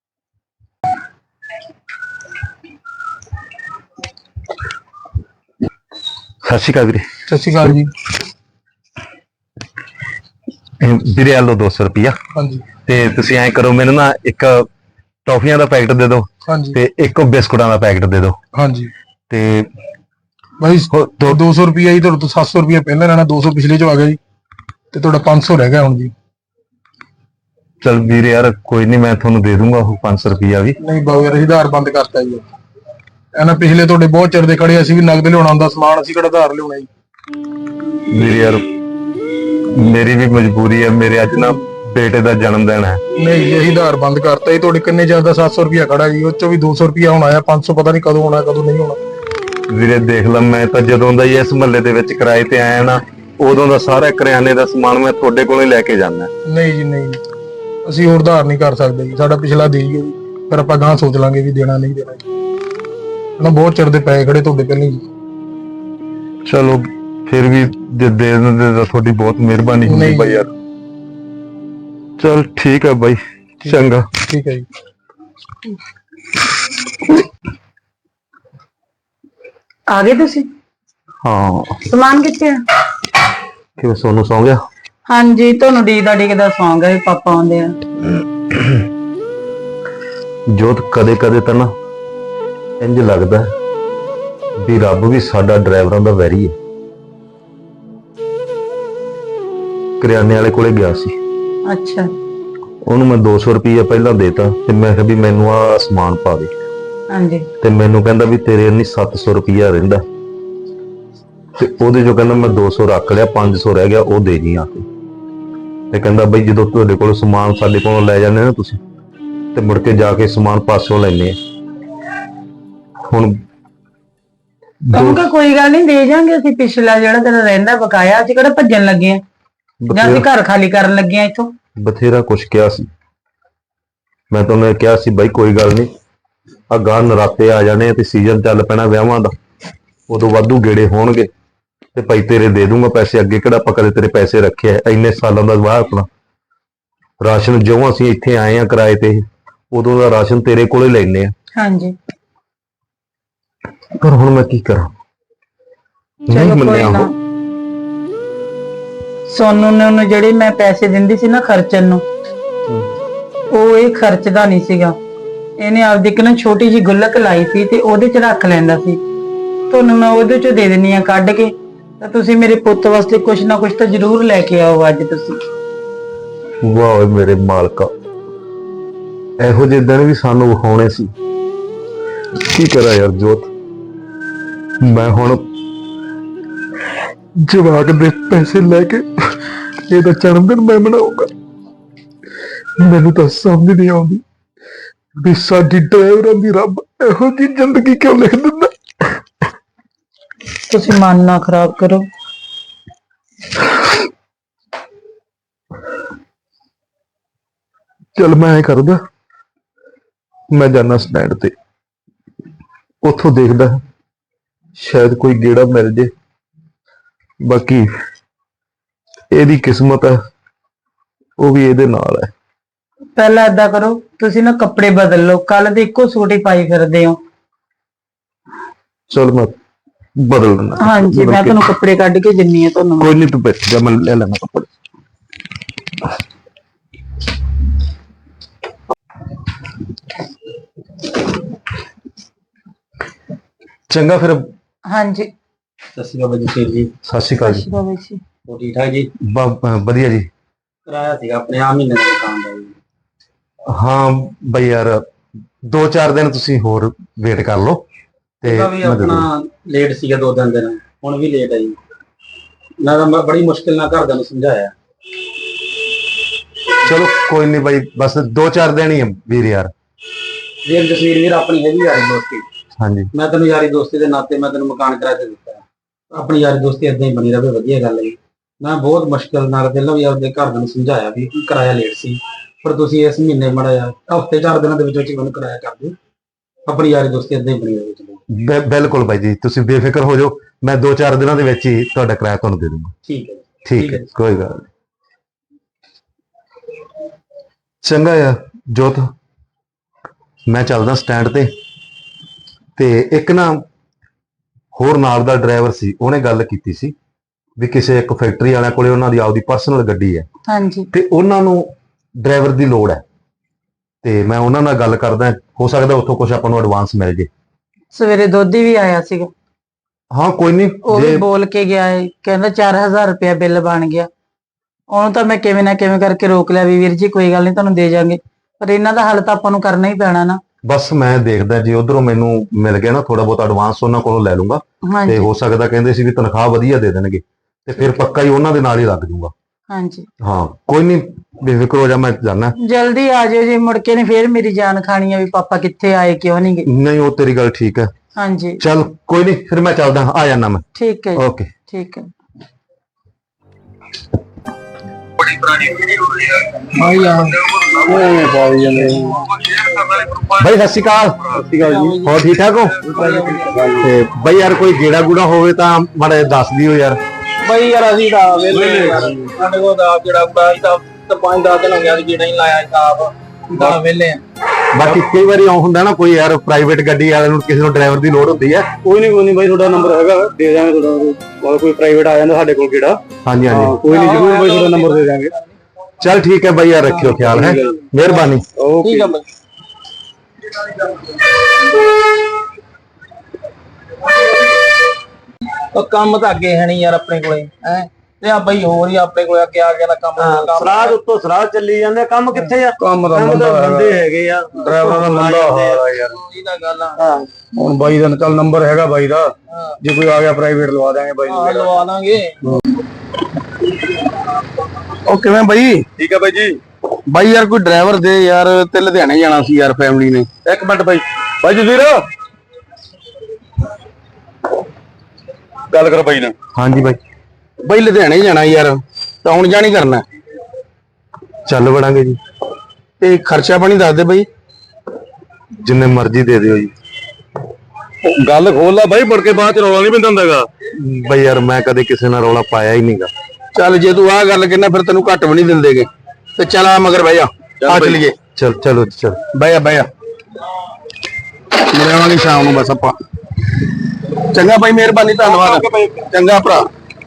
Speaker 2: ਸਤਿ ਸ਼੍ਰੀ ਅਕਾਲ ਵੀਰੇ।
Speaker 3: ਸਤਿ ਸ਼੍ਰੀ ਅਕਾਲ ਜੀ।
Speaker 2: ਇਹ ਵੀਰੇ ਆ ਲਓ ਦੋ ਸੌ ਰੁਪਇਆ।
Speaker 3: ਹਾਂਜੀ
Speaker 2: ਤੇ ਤੁਸੀਂ ਐਂ ਕਰੋ, ਮੈਨੂੰ ਨਾ ਇੱਕ ਟੌਫੀਆਂ ਦਾ ਪੈਕਟ ਦੇ ਦਿਓ
Speaker 3: ਹਾਂਜੀ
Speaker 2: ਤੇ ਇੱਕ ਬਿਸਕੁਟਾਂ ਦਾ ਪੈਕਟ ਦੇ ਦਿਓ।
Speaker 3: ਹਾਂਜੀ
Speaker 2: ਤੇ
Speaker 3: ਭਾਈ
Speaker 2: ਹੋ- ਦੋ
Speaker 3: ਦੋ ਸੌ ਰੁਪਇਆ ਜੀ ਤੁਹਾਡੇ ਤੋਂ ਸੱਤ ਸੌ ਰੁਪਇਆ ਪਹਿਲਾਂ ਲੈਣਾ, ਦੋ ਸੌ ਪਿਛਲੇ ਚੋਂ ਆ ਗਿਆ ਜੀ, ਤੇ ਤੁਹਾਡਾ ਪੰਜ ਸੌ ਰਹਿ ਗਿਆ ਹੁਣ ਜੀ।
Speaker 2: ਚਲ ਵੀਰੇ ਯਾਰ ਕੋਈ ਨਹੀਂ, ਮੈਂ ਤੁਹਾਨੂੰ ਦੇ ਦੂੰਗਾ ਉਹ ਪੰਜ ਸੌ ਰੁਪਇਆ ਵੀ।
Speaker 3: ਨਹੀਂ ਬਾਬੂ ਯਾਰ, ਅਸੀਂ ਆਧਾਰ ਬੰਦ ਕਰਤਾ ਜੀ। ਇਹਨਾਂ ਪਿਛਲੇ ਤੁਹਾਡੇ ਬਹੁਤ ਚਿਰ ਦੇ ਖੜੇ, ਅਸੀਂ ਵੀ ਨਗਦ ਲਿਆਉਣਾ ਹੁੰਦਾ ਸਮਾਨ, ਅਸੀਂ ਕਿਹੜਾ ਆਧਾਰ ਲਿਆਉਣਾ ਜੀ।
Speaker 2: ਵੀਰੇ ਯਾਰ ਮੇਰੀ ਵੀ ਮਜਬੂਰੀ ਹੈ, ਮੇਰੇ ਅੱਜ ਨਾ ਬੇਟੇ ਦਾ ਜਨਮ ਦਿਨ ਹੈ।
Speaker 3: ਨਹੀਂ ਜੀ, ਅਸੀਂ ਆਧਾਰ ਬੰਦ ਕਰਤਾ ਜੀ। ਤੁਹਾਡੇ ਕਿੰਨੇ ਚਿਰ ਦਾ ਸੱਤ ਸੌ ਰੁਪਇਆ ਖੜਾ ਜੀ, ਉਹ ਚੋਂ ਵੀ ਦੋ ਸੌ ਰੁਪਇਆ ਹੁਣ ਆਇਆ, ਪੰਜ ਸੌ ਪਤਾ ਨਹੀਂ ਕਦੋਂ ਆਉਣਾ ਕਦੋਂ ਨਹੀਂ ਆਉਣਾ।
Speaker 2: ਵੀਰੇ ਦੇਖ ਲਾ, ਮੈਂ ਤਾਂ ਜਦੋਂ ਦਾ ਹੀ ਇਸ ਮਹੱਲੇ ਦੇ ਵਿੱਚ ਕਿਰਾਏ ਤੇ ਆਇਆ ਨਾ, ਉਦੋਂ ਦਾ ਸਾਰਾ ਕਰਿਆਨੇ ਦਾ ਸਮਾਨ ਮੈਂ ਤੁਹਾਡੇ ਕੋਲੋਂ ਹੀ ਲੈ ਕੇ ਜਾਂਦਾ।
Speaker 3: ਨਹੀਂ ਜੀ ਨਹੀਂ, ਅਸੀਂ ਹੋਰ ਉਧਾਰ ਨਹੀਂ ਕਰ ਸਕਦੇ ਜੀ, ਸਾਡਾ ਪਿਛਲਾ ਦੇ ਹੀ ਫਿਰ ਆਪਾਂ ਗਾਂ ਸੋਚ ਲਾਂਗੇ ਵੀ ਦੇਣਾ ਨਹੀਂ ਦੇਣਾ ਜੀ। ਨਾ ਬਹੁਤ ਚਿਰ ਦੇ ਪਏ ਖੜੇ ਤੁਹਾਡੇ ਪਹਿਲਾਂ ਜੀ।
Speaker 2: ਚਲੋ ਫਿਰ ਵੀ ਜੇ ਦੇ ਦਿੰਦੇ ਤਾਂ ਤੁਹਾਡੀ ਬਹੁਤ ਮਿਹਰਬਾਨੀ ਹੁੰਦੀ
Speaker 3: ਨਹੀਂ।
Speaker 2: ਬਾਈ ਯਾਰ। ਚਲ ਠੀਕ ਹੈ ਬਾਈ, ਚੰਗਾ।
Speaker 3: ਠੀਕ ਹੈ ਜੀ।
Speaker 1: ਆ ਗਏ ਤੁਸੀਂ?
Speaker 2: ਹਾਂ
Speaker 1: ਸਮਾਨ ਕਿੱਥੇ ਆ?
Speaker 2: ਕਿਵੇਂ ਸੋਨੂੰ ਸੌਂ ਗਿਆ?
Speaker 1: ਹਾਂਜੀ, ਤੁਹਾਨੂੰ ਡੀਕਦਾ ਡੀਕਦਾ ਸੌਂ ਗਿਆ ਵੀ ਪਾਪਾ ਆਉਂਦੇ ਆ।
Speaker 2: ਜੋਤ ਕਦੇ ਕਦੇ ਤਾਂ ਨਾ ਇੰਜ ਲੱਗਦਾ ਹੈ ਵੀ ਰੱਬ ਵੀ ਸਾਡਾ ਡਰਾਈਵਰਾਂ ਦਾ ਵੈਰੀ ਹੈ। ਕਰਿਆਨੇ ਵਾਲੇ ਕੋਲੇ ਗਿਆ ਸੀ,
Speaker 1: ਅੱਛਾ
Speaker 2: ਉਹਨੂੰ ਮੈਂ ਦੋ ਸੌ ਰੁਪਈਆ ਪਹਿਲਾਂ ਦੇਤਾ ਤੇ ਮੈਂ ਕਿਹਾ ਵੀ ਮੈਨੂੰ ਆਹ ਸਮਾਨ ਪਾ ਦੇ,
Speaker 1: ਹਾਂਜੀ
Speaker 2: ਤੇ ਮੈਨੂੰ ਕਹਿੰਦਾ ਵੀ ਤੇਰੇ ਇੰਨੀ ਸੱਤ ਸੌ ਰੁਪਈਆ ਰਹਿੰਦਾ, ਤੇ ਉਹਦੇ ਚੋਂ ਕਹਿੰਦਾ ਮੈਂ ਦੋ ਸੌ ਰੱਖ ਲਿਆ, ਪੰਜ ਸੌ ਰਹਿ ਗਿਆ, ਉਹ ਦੇ ਜੀ ਆ ਕੇ। ਤੇ ਕਹਿੰਦਾ ਬਈ ਜਦੋਂ ਤੁਹਾਡੇ ਕੋਲ ਸਮਾਨ ਸਾਡੇ ਕੋਲੋਂ ਲੈ ਜਾਂਦੇ ਨਾ ਤੁਸੀਂ, ਤੇ ਮੁੜ ਕੇ ਜਾ ਕੇ ਸਮਾਨ ਪਾਸੋਂ ਲੈਣੇ ਆ। ਹੁਣ
Speaker 1: ਕਹੂੰਗਾ ਕੋਈ ਗੱਲ ਨਹੀਂ, ਦੇ ਜਾਾਂਗੇ ਅਸੀਂ। ਪਿਛਲਾ ਜਿਹੜਾ ਤੇਰਾ ਰਹਿੰਦਾ ਬਕਾਇਆ, ਅਸੀਂ ਕਿਹੜਾ ਭੱਜਣ ਲੱਗੇ ਆ ਜਾਂ ਅਸੀਂ ਘਰ ਖਾਲੀ ਕਰਨ ਲੱਗੇ ਆ ਇੱਥੋਂ।
Speaker 2: ਬਥੇਰਾ ਕੁਛ ਕਿਹਾ ਸੀ ਮੈਂ, ਤੁਹਾਨੂੰ ਇਹ ਕਿਹਾ ਸੀ ਬਾਈ ਕੋਈ ਗੱਲ ਨਹੀਂ, ਆ ਗਾਂ ਨਰਾਤੇ ਆ ਜਾਣੇ ਤੇ ਸੀਜ਼ਨ ਚੱਲ ਪੈਣਾ ਵਿਆਹਾਂ ਦਾ, ਉਦੋਂ ਵਾਧੂ ਗੇੜੇ ਹੋਣਗੇ ਤੇ ਭਾਈ ਤੇਰੇ ਦੇ ਦੂੰਗਾ ਪੈਸੇ। ਅੱਗੇ ਕਿਹੜਾ ਆਪਾਂ ਕਦੇ ਤੇਰੇ ਪੈਸੇ ਰੱਖੇ ਆ? ਇੰਨੇ ਸਾਲਾਂ ਦਾ ਵਾਹ ਆਪਣਾ ਰਾਸ਼ਨ, ਜਿਉਂ ਅਸੀਂ ਇੱਥੇ ਆਏ ਆ ਕਿਰਾਏ ਤੇ, ਉਦੋਂ ਦਾ ਰਾਸ਼ਨ ਤੇਰੇ ਕੋਲੇ ਲੈਣੇ ਆ।
Speaker 1: ਹਾਂਜੀ
Speaker 2: ਪਰ ਹੁਣ ਮੈਂ ਕੀ ਕਰਾਂ, ਨਹੀਂ
Speaker 1: ਚਲੋ ਕੋਈ
Speaker 2: ਮੰਨਿਆ
Speaker 1: ਨਾ।
Speaker 2: ਉਹ।
Speaker 1: ਸੋਨੂੰ ਨੇ ਉਹਨੂੰ ਜਿਹੜੇ ਮੈਂ ਪੈਸੇ ਦਿੰਦੀ ਸੀ ਨਾ ਖਰਚਣ ਨੂੰ, ਉਹ ਇਹ ਖਰਚਦਾ ਨਹੀਂ ਸੀਗਾ। ਇਹਨੇ ਆਪਦੀ ਇੱਕ ਨਾ ਛੋਟੀ ਜੀ ਗੁੱਲਕ ਲਾਈ ਸੀ ਤੇ ਉਹਦੇ ਚ ਰੱਖ ਲੈਂਦਾ ਸੀ। ਤੁਹਾਨੂੰ ਮੈਂ ਉਹਦੇ ਚੋਂ ਦੇ ਦਿੰਨੀ ਆ ਕੱਢ ਕੇ, ਤਾਂ ਤੁਸੀਂ ਮੇਰੇ ਪੁੱਤ ਵਾਸਤੇ ਕੁਛ ਨਾ ਕੁਛ ਤਾਂ ਜ਼ਰੂਰ ਲੈ ਕੇ ਆਓ ਅੱਜ ਤੁਸੀਂ।
Speaker 2: ਵਾਹ ਓਏ ਮੇਰੇ ਮਾਲਕਾ, ਇਹੋ ਜਿਹੇ ਦਿਨ ਵੀ ਸਾਨੂੰ ਵਿਖਾਉਣੇ ਸੀ। ਕੀ ਕਰਾਂ ਯਾਰ ਜੋਤ, ਮੈਂ ਹੁਣ ਜਵਾਕ ਦੇ ਪੈਸੇ ਲੈ ਕੇ ਇਹਦਾ ਜਨਮ ਦਿਨ ਮੈਂ ਮਨਾਉਂਗਾ। ਮੈਨੂੰ ਤਾਂ ਸਮਝ ਨਹੀਂ ਆਉਂਦੀ ਵੀ ਸਾਡੀ ਡਰਾਈਵਰਾਂ ਦੀ ਰੱਬ ਇਹੋ ਜਿਹੀ ਜ਼ਿੰਦਗੀ ਕਿਉਂ ਲਿਖ ਦਿੰਦਾ।
Speaker 1: ਤੁਸੀਂ ਮਨ ਨਾ ਖਰਾਬ ਕਰੋ।
Speaker 2: ਚਲ ਮੈਂ ਐ ਕਰਦਾ, ਮੈਂ ਜਾਣਾ ਸਟੈਂਡ ਤੇ, ਉੱਥੋਂ ਦੇਖਦਾ ਸ਼ਾਇਦ ਕੋਈ ਗੇੜਾ ਮਿਲ ਜੇ। ਬਾਕੀ ਇਹਦੀ ਕਿਸਮਤ ਹੈ, ਉਹ ਵੀ ਇਹਦੇ ਨਾਲ ਹੈ।
Speaker 1: ਪਹਿਲਾਂ ਏਦਾਂ ਕਰੋ, ਤੁਸੀਂ ਨਾ ਕੱਪੜੇ ਬਦਲ ਲਓ, ਕੱਲ ਦੇ ਇੱਕੋ ਸੂਟ ਹੀ ਪਾਈ ਫਿਰਦੇ ਹੋ।
Speaker 2: ਚਲ ਮੈਂ ਬਦਲ ਦਿੰਦਾ।
Speaker 1: ਹਾਂਜੀ, ਮੈਂ ਤੁਹਾਨੂੰ ਕੱਪੜੇ ਕੱਢ ਕੇ ਦਿੰਨੀ ਆ ਤੁਹਾਨੂੰ।
Speaker 2: ਕੋਈ ਨਹੀਂ, ਤੂੰ ਬੈਠ ਜਾ, ਮੈਂ ਲੈ ਲੈਣਾ ਕੱਪੜੇ। ਚੰਗਾ ਫਿਰ।
Speaker 1: ਹਾਂਜੀ
Speaker 3: ਸਤਿ ਸ਼੍ਰੀ ਅਕਾਲ ਜੀ। ਜੀ
Speaker 2: ਸਤਿ ਸ਼੍ਰੀ ਅਕਾਲ ਜੀ।
Speaker 1: ਸ਼ੁਭਾ ਜੀ।
Speaker 3: ਹੋ ਠੀਕ ਠਾਕ ਜੀ?
Speaker 2: ਬ- ਵਧੀਆ ਜੀ।
Speaker 3: ਕਰਾਇਆ ਸੀਗਾ ਆਪਣੇ ਆ ਮਹੀਨੇ ਦਾ ਦੁਕਾਨ ਦਾ ਜੀ।
Speaker 2: ਹਾਂ ਬਈ ਯਾਰ, ਦੋ ਚਾਰ ਦਿਨ ਤੁਸੀਂ ਹੋਰ ਵੇਟ ਕਰ ਲਓ ਤੇ
Speaker 3: ਉਹਦਾ ਵੀ
Speaker 2: ਮੈਂ ਦੇ ਦੂੰਗਾ।
Speaker 3: ਆਪਣਾ ਲੇਟ ਸੀਗਾ ਦੋ ਤਿੰਨ ਦਿਨ, ਹੁਣ ਵੀ ਲੇਟ ਹੈ ਜੀ। ਮੈਂ ਤਾਂ ਬ- ਬੜੀ ਮੁਸ਼ਕਿਲ ਨਾਲ ਘਰਦਿਆਂ ਨੂੰ ਸਮਝਾਇਆ।
Speaker 2: ਚਲੋ ਕੋਈ ਨਹੀਂ ਬਾਈ, ਬਸ ਦੋ ਚਾਰ ਦਿਨ ਹੀ ਆ ਵੀਰ ਯਾਰ।
Speaker 3: ਵੀਰ ਜਸਵੀਰ ਵੀਰ, ਆਪਣੀ ਹੈਗੀ ਯਾਰੀ ਦੋਸਤੀ।
Speaker 2: ਹਾਂਜੀ
Speaker 3: ਮੈਂ ਤੈਨੂੰ ਯਾਰੀ ਦੋਸਤੀ ਦੇ ਨਾਤੇ ਮੈਂ ਤੈਨੂੰ ਮਕਾਨ ਕਿਰਾਏ ਤੇ ਦਿੱਤਾ। ਆਪਣੀ ਯਾਰੀ ਦੋਸਤੀ ਏਦਾਂ ਹੀ ਬਣੀ ਰਵੇ, ਵਧੀਆ ਗੱਲ ਹੈ ਜੀ।
Speaker 5: ਮੈਂ ਬਹੁਤ ਮੁਸ਼ਕਲ ਨਾਲ ਪਹਿਲਾਂ ਵੀ ਆਪਦੇ ਘਰ ਨੂੰ ਸਮਝਾਇਆ ਵੀ ਕਿਰਾਇਆ ਲੇਟ ਸੀ, ਪਰ ਤੁਸੀਂ ਇਸ ਮਹੀਨੇ ਮਾੜਾ ਜਿਹਾ ਹਫ਼ਤੇ ਚਾਰ ਦਿਨਾਂ ਦੇ ਵਿੱਚ ਵਿੱਚ ਮੈਨੂੰ ਕਿਰਾਇਆ ਕਰ ਦਿਓ। ਆਪਣੀ ਯਾਰੀ ਦੋਸਤੀ ਏਦਾਂ ਹੀ ਬਣੀ ਰਹੇ ਚਲੋ।
Speaker 2: ਬਿ- ਬਿਲਕੁਲ ਬਾਈ ਜੀ, ਤੁਸੀਂ ਬੇਫਿਕਰ ਹੋ ਜਾਓ, ਮੈਂ ਦੋ ਚਾਰ ਦਿਨਾਂ ਦੇ ਵਿੱਚ ਹੀ ਤੁਹਾਡਾ ਕਿਰਾਇਆ ਤੁਹਾਨੂੰ ਦੇ ਦੂੰਗਾ।
Speaker 5: ਠੀਕ ਹੈ ਜੀ।
Speaker 2: ਠੀਕ ਹੈ, ਕੋਈ ਗੱਲ ਨਹੀਂ। ਚੰਗਾ ਯਾਰ ਜੋਤ, ਮੈਂ ਚੱਲਦਾ ਸਟੈਂਡ ਤੇ। ਤੇ ਇੱਕ ਨਾ ਹੋਰ ਨਾਲ ਦਾ ਡਰਾਈਵਰ ਸੀ, ਉਹਨੇ ਗੱਲ ਕੀਤੀ ਸੀ ਵੀ ਕਿਸੇ ਇੱਕ ਫੈਕਟਰੀ ਵਾਲਿਆਂ ਕੋਲੇ ਉਹਨਾਂ ਦੀ ਆਪਦੀ ਪਰਸਨਲ ਗੱਡੀ ਹੈ
Speaker 1: ਹਾਂਜੀ
Speaker 2: ਤੇ ਉਹਨਾਂ ਨੂੰ ਡਰਾਈਵਰ ਦੀ ਲੋੜ ਹੈ, ਤੇ ਮੈਂ ਉਹਨਾਂ ਨਾਲ ਗੱਲ ਕਰਦਾ, ਹੋ ਸਕਦਾ ਉੱਥੋਂ ਕੁਝ ਆਪਾਂ ਨੂੰ ਐਡਵਾਂਸ ਮਿਲ ਜੇ।
Speaker 1: ਸਵੇਰੇ ਦੋਧੀ ਵੀ ਆਇਆ ਸੀਗਾ,
Speaker 2: ਹਾਂ ਕੋਈ ਨਹੀਂ,
Speaker 1: ਉਹ ਵੀ ਬੋਲ ਕੇ ਗਿਆ ਹੈ, ਕਹਿੰਦਾ ਚਾਰ ਹਜ਼ਾਰ ਰੁਪਇਆ ਬਿੱਲ ਬਣ ਗਿਆ। ਉਹਨੂੰ ਤਾਂ ਮੈਂ ਕਿਵੇਂ ਨਾ ਕਿਵੇਂ ਕਰਕੇ ਰੋਕ ਲਿਆ ਵੀ ਵੀਰ ਜੀ ਕੋਈ ਗੱਲ ਨਹੀਂ ਤੁਹਾਨੂੰ ਦੇ ਜਾਾਂਗੇ, ਪਰ ਇਹਨਾਂ ਦਾ ਹੱਲ ਤਾਂ ਆਪਾਂ ਨੂੰ ਕਰਨਾ ਹੀ ਪੈਣਾ ਨਾ।
Speaker 2: ਬਸ ਮੈਂ ਦੇਖਦਾ ਜੇ ਉਧਰੋਂ ਮੈਨੂੰ ਮਿਲ ਗਿਆ ਨਾ ਥੋੜਾ ਬਹੁਤ ਐਡਵਾਂਸ ਉਹਨਾਂ ਕੋਲੋਂ ਲੈ ਲੂੰਗਾ, ਤੇ
Speaker 1: ਹਾਂਜੀ
Speaker 2: ਹੋ ਸਕਦਾ ਕਹਿੰਦੇ ਸੀ ਵੀ ਤਨਖਾਹ ਵਧੀਆ ਦੇ ਦੇਣਗੇ, ਤੇ ਫਿਰ ਪੱਕਾ ਹੀ ਉਹਨਾਂ ਦੇ ਨਾਲ ਹੀ ਲੱਗ ਜੂਗਾ।
Speaker 1: ਹਾਂਜੀ
Speaker 2: ਹਾਂ ਕੋਈ ਨਹੀਂ, ਬੇਫਿਕਰ ਹੋ ਜਾ, ਮੈਂ ਜਾਣਾ।
Speaker 1: ਜਲਦੀ ਆ ਜਾਇਓ ਜੀ, ਮੁੜ ਕੇ ਨੇ ਫੇਰ ਮੇਰੀ ਜਾਨ ਖਾਣੀ ਆ ਵੀ ਪਾਪਾ ਕਿੱਥੇ ਆਏ ਕਿਉਂ ਨਹੀਂ ਗਏ।
Speaker 2: ਨਹੀਂ ਉਹ ਤੇਰੀ ਗੱਲ ਠੀਕ ਹੈ,
Speaker 1: ਹਾਂਜੀ
Speaker 2: ਚੱਲ ਕੋਈ ਨਹੀਂ, ਫਿਰ ਮੈਂ ਚੱਲਦਾ, ਆ ਜਾਣਾ ਮੈਂ।
Speaker 1: ਠੀਕ ਹੈ ਜੀ,
Speaker 2: ਓਕੇ।
Speaker 1: ਠੀਕ ਹੈ।
Speaker 2: ਬਾਈ ਸਤਿ ਸ਼੍ਰੀ ਅਕਾਲ। ਹੋਰ ਠੀਕ ਠਾਕ ਹੋ? ਤੇ ਬਾਈ ਯਾਰ ਕੋਈ ਗੇੜਾ ਗੂੜਾ ਹੋਵੇ ਤਾਂ ਮਾੜਾ ਜਿਹਾ ਦੱਸ ਦਿਓ ਯਾਰ।
Speaker 5: ਬਈ ਯਾਰ ਅਸੀਂ ਤਾਂ ਵੇਲੇ ਯਾਰ, ਸਾਡੇ ਕੋਲ ਤਾਂ ਜਿਹੜਾ ਬੁੜਾ ਸੀ ਤਾਂ ਤਾਂ ਪੰਜ ਦਸ ਦਿਨ ਹੋ ਗਿਆ ਸੀ ਜਿਹੜਾ ਹੀ ਲਾਇਆ ਹਿਸਾਬ, ਤਾਂ ਵੇਲੇ ਆ।
Speaker 2: ਬਾਕੀ ਕਈ ਵਾਰੀ ਆਉਂ ਹੁੰਦਾ ਨਾ ਕੋਈ ਯਾਰ ਪ੍ਰਾਈਵੇਟ ਗੱਡੀ ਵਾਲੇ ਨੂੰ ਕਿਸੇ ਨੂੰ ਡਰਾਈਵਰ ਦੀ ਲੋੜ ਹੁੰਦੀ ਹੈ।
Speaker 3: ਕੋਈ ਨਹੀਂ ਕੋਈ ਨਹੀਂ ਬਾਈ, ਤੁਹਾਡਾ ਨੰਬਰ ਹੈਗਾ, ਦੇ ਦਾਂਗੇ ਤੁਹਾਡਾ। ਕੋਈ ਪ੍ਰਾਈਵੇਟ ਆ ਜਾਂਦਾ ਸਾਡੇ ਕੋਲ ਕਿਹੜਾ,
Speaker 2: ਹਾਂਜੀ ਹਾਂਜੀ
Speaker 3: ਕੋਈ ਨਹੀਂ, ਜ਼ਰੂਰ ਬਾਈ ਤੁਹਾਡਾ ਨੰਬਰ ਦੇ ਦਾਂਗੇ।
Speaker 2: ਚੱਲ ਠੀਕ ਹੈ ਬਾਈ ਯਾਰ, ਰੱਖਿਓ ਖਿਆਲ, ਹੈ ਮਿਹਰਬਾਨੀ।
Speaker 5: ਠੀਕ ਆ ਬਈ। ਉਹ ਕੰਮ ਤਾਂ ਅੱਗੇ ਹੈ ਨਹੀਂ ਯਾਰ ਆਪਣੇ ਕੋਲੇ, ਹੈ ਤੇ ਆ ਬਈ ਹੋਰ ਹੀ ਆਪਣੇ ਕੋਲੇ ਅੱਗੇ ਆ ਗਿਆ ਨਾ ਕੰਮ।
Speaker 6: ਸਰਾਜ ਉੱਤੋਂ ਸਰਾਜ ਚੱਲੀ ਜਾਂਦੇ, ਕੰਮ ਕਿੱਥੇ ਆ?
Speaker 3: ਕੰਮ ਦਾ
Speaker 6: ਕੰਮ ਤਾਂ
Speaker 3: ਮੰਦਾ
Speaker 6: ਬੰਦੇ ਹੈਗੇ ਆ,
Speaker 3: ਡਰਾਈਵਰਾਂ ਦਾ ਮੰਦਾ ਹਾਲ ਆ ਯਾਰ।
Speaker 5: ਉਹੀ ਤਾਂ ਗੱਲ ਆ।
Speaker 3: ਹੁਣ ਬਾਈ ਦਾ ਚੱਲ ਨੰਬਰ ਹੈਗਾ ਬਾਈ ਦਾ, ਜੇ ਕੋਈ ਆ ਗਿਆ ਪ੍ਰਾਈਵੇਟ ਲਵਾ ਦਾਂਗੇ ਬਾਈ ਨੂੰ।
Speaker 5: ਹਾਂ ਲਵਾ ਦਾਂਗੇ।
Speaker 3: ਉਹ ਕਿਵੇਂ ਬਾਈ?
Speaker 6: ਠੀਕ ਆ ਬਾਈ ਜੀ।
Speaker 3: ਬਾਈ ਯਾਰ ਕੋਈ ਡਰਾਈਵਰ ਦੇ ਯਾਰ, ਤੇ ਲੁਧਿਆਣੇ ਜਾਣਾ ਸੀ ਯਾਰ ਫੈਮਿਲੀ ਨੇ।
Speaker 6: ਇੱਕ ਮਿੰਟ ਬਾਈ, ਬਾਈ ਜਸਵੀਰ ਗੱਲ ਕਰ ਬਾਈ ਨਾਲ।
Speaker 2: ਹਾਂਜੀ ਬਾਈ,
Speaker 3: ਬਾਈ ਲੁਧਿਆਣੇ ਜਾਣਾ ਯਾਰ, ਤਾਂ ਹੁਣ ਜਾਣੀ ਕਰਨਾ
Speaker 2: ਚੱਲ ਵੜਾਂਗੇ ਜੀ।
Speaker 3: ਤੇ ਖਰਚਾ ਪਾਣੀ ਦੱਸ ਦੇ ਬਾਈ।
Speaker 2: ਜਿੰਨੇ ਮਰਜ਼ੀ ਦੇ ਦਿਓ ਜੀ।
Speaker 6: ਗੱਲ ਖੋਲ ਲਾ ਬਾਈ, ਮੁੜ ਕੇ ਬਾਅਦ ਚ ਰੌਲਾ ਨਹੀਂ ਪੈਂਦਾ ਹੁੰਦਾਗਾ।
Speaker 2: ਬਾਈ ਯਾਰ ਮੈਂ ਕਦੇ ਕਿਸੇ ਨਾਲ ਰੌਲਾ ਪਾਇਆ ਹੀ ਨਹੀਂਗਾ।
Speaker 3: ਚੱਲ ਜੇ ਤੂੰ ਆਹ ਗੱਲ ਕਹਿਣਾ ਫਿਰ ਤੈਨੂੰ ਘੱਟ ਵੀ ਨਹੀਂ ਦਿੰਦੇਗੇ, ਤੇ ਚੱਲ ਆ ਮਗਰ ਬਹਿ ਜਾ, ਆ ਚਲੀਏ।
Speaker 2: ਚਲ ਚਲੋ ਚਲ
Speaker 3: ਬਹਿ ਜਾ ਬਹਿ ਜਾ, ਮਿਲਾਂਗੇ ਸ਼ਾਮ ਨੂੰ ਬਸ ਆਪਾਂ। ਚੰਗਾ ਬਾਈ, ਮਿਹਰਬਾਨੀ, ਧੰਨਵਾਦ। ਚੰਗਾ ਭਰਾ।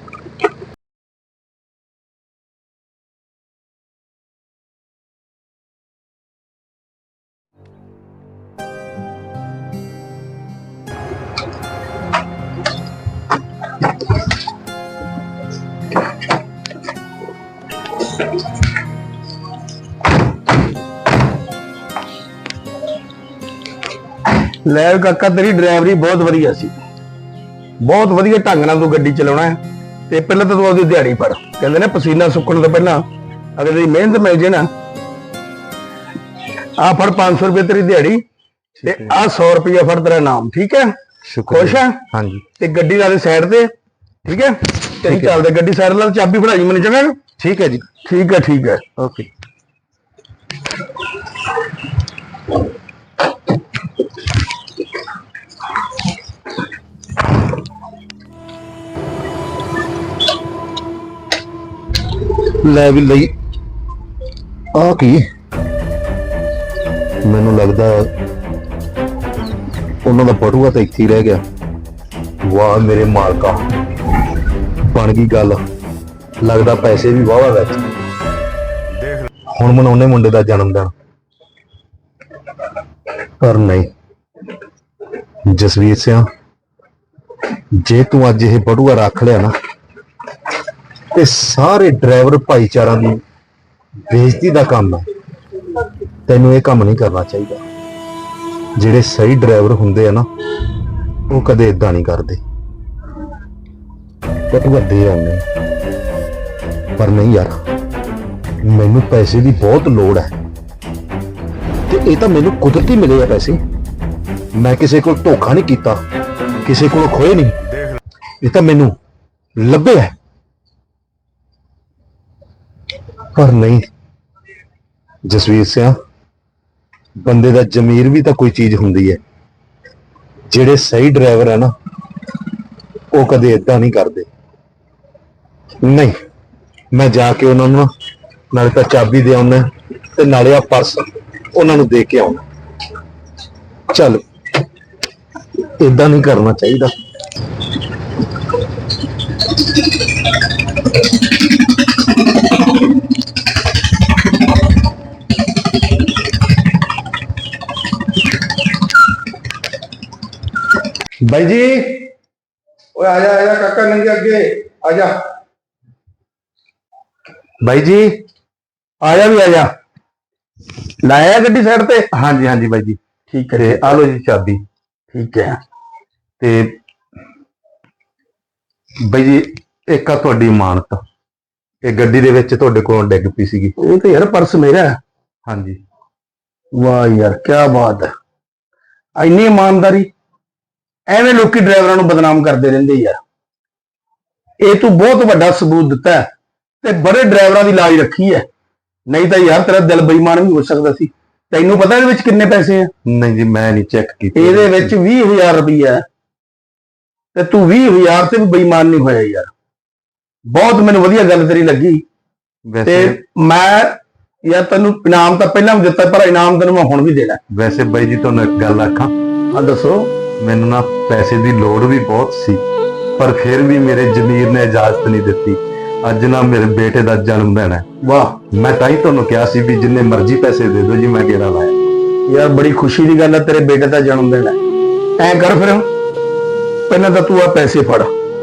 Speaker 3: ਲੈ ਕਾਕਾ, ਤੇਰੀ ਡਰਾਈਵਰੀ ਬਹੁਤ ਵਧੀਆ ਸੀ, ਬਹੁਤ ਵਧੀਆ ਢੰਗ ਨਾਲ ਤੂੰ ਗੱਡੀ ਚਲਾਉਣਾ ਹੈ। ਤੇ ਪਹਿਲਾਂ ਤਾਂ ਤੂੰ ਉਹਦੀ ਦਿਹਾੜੀ ਪੜ, ਕਹਿੰਦੇ ਨੇ ਪਸੀਨਾ ਸੁੱਕਣ ਤੋਂ ਪਹਿਲਾਂ ਅਗਰ ਤੇਰੀ ਮਿਹਨਤ ਮਿਲ ਜੇ ਨਾ, ਆ ਫੜ ਪੰਜ ਸੌ ਰੁਪਏ ਤੇਰੀ ਦਿਹਾੜੀ, ਤੇ ਆ ਸੌ ਰੁਪਇਆ ਫੜ ਤੇਰਾ ਨਾਮ, ਠੀਕ ਹੈ?
Speaker 2: ਸ਼ੁਕਰ
Speaker 3: ਖੁਸ਼ ਹੈ?
Speaker 2: ਹਾਂਜੀ
Speaker 3: ਤੇ ਗੱਡੀ ਲਾ ਦੇ ਸਾਈਡ ਤੇ, ਠੀਕ ਹੈ? ਤੇਰੀ ਚੱਲਦੇ ਗੱਡੀ ਸਾਈਡ ਲਾ, ਚਾਬੀ ਫੜਾਈ ਮੈਨੂੰ, ਚੰਗਾ?
Speaker 2: ਠੀਕ ਹੈ ਜੀ।
Speaker 3: ਠੀਕ ਹੈ ਠੀਕ ਹੈ।
Speaker 2: ਓਕੇ। ਲੈ ਵੀ ਲਈ ਆ ਕੀ, ਮੈਨੂੰ ਲੱਗਦਾ ਉਹਨਾਂ ਦਾ ਬਟੂਆ ਤਾਂ ਇੱਥੇ ਹੀ ਰਹਿ ਗਿਆ। ਵਾਹ ਮੇਰੇ ਮਾਲਕਾ, ਬਣ ਗਈ ਗੱਲ। ਲੱਗਦਾ ਪੈਸੇ ਵੀ ਵਾਹਵਾ ਵਿੱਚ। ਹੁਣ ਮਨਾਉਣੇ ਮੁੰਡੇ ਦਾ ਜਨਮ ਦਿਨ, ਪਰ ਨਹੀਂ ਜਸਵੀਰ ਸਿਆ, ਜੇ ਤੂੰ ਅੱਜ ਇਹ ਬਟੂਆ ਰੱਖ ਲਿਆ ਨਾ, ਤੇ ਸਾਰੇ ਡਰਾਈਵਰ ਭਾਈਚਾਰਾਂ ਦੀ ਬੇਇੱਜ਼ਤੀ ਦਾ ਕੰਮ ਹੈ। ਤੈਨੂੰ ਇਹ ਕੰਮ ਨਹੀਂ ਕਰਨਾ ਚਾਹੀਦਾ। ਜਿਹੜੇ ਸਹੀ ਡਰਾਈਵਰ ਹੁੰਦੇ ਆ ਨਾ, ਉਹ ਕਦੇ ਇਦਾਂ ਨਹੀਂ ਕਰਦੇ। ਬਟੂਆ ਦੇ ਆਉਂਦੇ, ਪਰ ਨਹੀਂ ਯਾਰ, ਮੈਨੂੰ ਪੈਸੇ ਦੀ ਬਹੁਤ ਲੋੜ ਹੈ, ਤੇ ਇਹ ਤਾਂ ਮੈਨੂੰ ਕੁਦਰਤੀ ਮਿਲੇ ਆ ਪੈਸੇ। ਮੈਂ ਕਿਸੇ ਕੋਲ ਧੋਖਾ ਨਹੀਂ ਕੀਤਾ, ਕਿਸੇ ਕੋਲ ਖੋਏ ਨਹੀਂ, ਇਹ ਤਾਂ ਮੈਨੂੰ ਲੱਭੇ ਹੈ। ਪਰ ਨਹੀਂ ਜਸਵੀਰ ਸਿਆ, ਬੰਦੇ ਦਾ ਜ਼ਮੀਰ ਵੀ ਤਾਂ ਕੋਈ ਚੀਜ਼ ਹੁੰਦੀ ਹੈ। ਜਿਹੜੇ ਸਹੀ ਡਰਾਈਵਰ ਹੈ ਨਾ, ਉਹ ਕਦੇ ਏਦਾਂ ਨਹੀਂ ਕਰਦੇ। ਨਹੀਂ, ਮੈਂ ਜਾ ਕੇ ਉਹਨਾਂ ਨੂੰ ਨਾ ਨਾਲੇ ਤਾਂ ਚਾਬੀ ਦੇ ਆਉਣਾ ਤੇ ਨਾਲੇ ਆ ਪਰਸ ਉਹਨਾਂ ਨੂੰ ਦੇ ਕੇ ਆਉਣਾ। ਚੱਲ, ਏਦਾਂ ਨਹੀਂ ਕਰਨਾ ਚਾਹੀਦਾ।
Speaker 3: ਬਾਈ ਜੀ, ਓਏ ਆ ਜਾ ਆ ਜਾ ਕਾਕਾ, ਨੰਗੇ ਅੱਗੇ ਆ ਜਾ।
Speaker 2: ਬਾਈ ਜੀ,
Speaker 3: ਆ ਜਾ ਵੀ ਆ ਜਾ। ਲਾਇਆ ਗੱਡੀ ਸਾਈਡ ਤੇ?
Speaker 2: ਹਾਂਜੀ ਹਾਂਜੀ ਬਾਈ ਜੀ,
Speaker 3: ਠੀਕ ਹੈ।
Speaker 2: ਤੇ ਆ ਲਓ ਜੀ ਚਾਬੀ।
Speaker 3: ਠੀਕ ਹੈ।
Speaker 2: ਤੇ ਬਾਈ ਜੀ, ਇੱਕ ਆ ਤੁਹਾਡੀ ਇਮਾਨਤ, ਇਹ ਗੱਡੀ ਦੇ ਵਿੱਚ ਤੁਹਾਡੇ ਕੋਲੋਂ ਡਿੱਗ ਪਈ ਸੀਗੀ।
Speaker 3: ਇਹ ਤਾਂ ਯਾਰ ਪਰਸ ਮੇਰਾ ਹੈ।
Speaker 2: ਹਾਂਜੀ।
Speaker 3: ਵਾਹ ਯਾਰ, ਕੀ ਬਾਤ ਹੈ। ਇੰਨੀ ਇਮਾਨਦਾਰੀ। ਐਵੇਂ ਲੋਕੀ ਡਰਾਈਵਰਾਂ ਨੂੰ ਬਦਨਾਮ ਕਰਦੇ ਰਹਿੰਦੇ ਯਾਰ। ਇਹ ਤੂੰ ਬਹੁਤ ਵੱਡਾ ਸਬੂਤ ਦਿੱਤਾ ਹੈ ਤੇ ਬੜੇ ਡਰਾਈਵਰਾਂ ਦੀ ਲਾਜ ਰੱਖੀ ਹੈ। ਨਹੀਂ ਤਾਂ ਯਾਰ ਤੇਰਾ ਦਿਲ ਬੇਈਮਾਨ ਵੀ ਹੋ ਸਕਦਾ ਸੀ। ਤੈਨੂੰ ਪਤਾ ਇਹਦੇ ਵਿੱਚ ਕਿੰਨੇ ਪੈਸੇ ਆ?
Speaker 2: ਨਹੀਂ ਜੀ, ਮੈਂ ਨਹੀਂ ਚੈੱਕ ਕੀਤਾ।
Speaker 3: ਇਹਦੇ ਵਿੱਚ ਵੀਹ ਹਜ਼ਾਰ ਰੁਪਈਆ ਹੈ ਤੇ ਤੂੰ ਵੀਹ ਹਜ਼ਾਰ ਤੇ ਵੀ ਬੇਈਮਾਨ ਨਹੀਂ ਹੋਇਆ ਯਾਰ। ਬਹੁਤ ਮੈਨੂੰ ਵਧੀਆ ਗੱਲ ਤੇਰੀ ਲੱਗੀ। ਤੇ
Speaker 2: ਵੈਸੇ
Speaker 3: ਮੈਂ ਯਾਰ ਤੈਨੂੰ ਇਨਾਮ ਤਾਂ ਪਹਿਲਾਂ ਵੀ ਦਿੱਤਾ, ਪਰ ਇਨਾਮ ਤੈਨੂੰ ਮੈਂ ਹੁਣ ਵੀ ਦੇਣਾ।
Speaker 2: ਵੈਸੇ ਬਾਈ ਜੀ, ਤੁਹਾਨੂੰ ਇੱਕ ਗੱਲ ਆਖਾਂ,
Speaker 3: ਆ ਦੱਸੋ।
Speaker 2: ਮੈਨੂੰ ਨਾ ਪੈਸੇ ਦੀ ਲੋੜ ਵੀ ਬਹੁਤ ਸੀ, ਪਰ ਫਿਰ ਵੀ ਮੇਰੇ ਜ਼ਮੀਰ ਨੇ ਇਜਾਜ਼ਤ ਨਹੀਂ ਦਿੱਤੀ। ਅੱਜ ਨਾ ਮੇਰੇ ਬੇਟੇ ਦਾ ਜਨਮ ਦਿਨ ਹੈ।
Speaker 3: ਵਾਹ,
Speaker 2: ਮੈਂ ਤਾਂ ਹੀ ਤੁਹਾਨੂੰ ਕਿਹਾ ਸੀ ਵੀ ਜਿੰਨੇ ਮਰਜ਼ੀ ਪੈਸੇ ਦੇ ਦਿਓ ਜੀ, ਮੈਂ ਗੇੜਾ ਲਾਇਆ।
Speaker 3: ਯਾਰ ਬੜੀ ਖੁਸ਼ੀ ਦੀ ਗੱਲ ਹੈ, ਤੇਰੇ ਬੇਟੇ ਦਾ ਜਨਮ ਦਿਨ ਹੈ। ਐਂ ਕਰ ਫਿਰ, ਪਹਿਲਾਂ ਤਾਂ ਤੂੰ ਆ ਪੈਸੇ ਫੜ।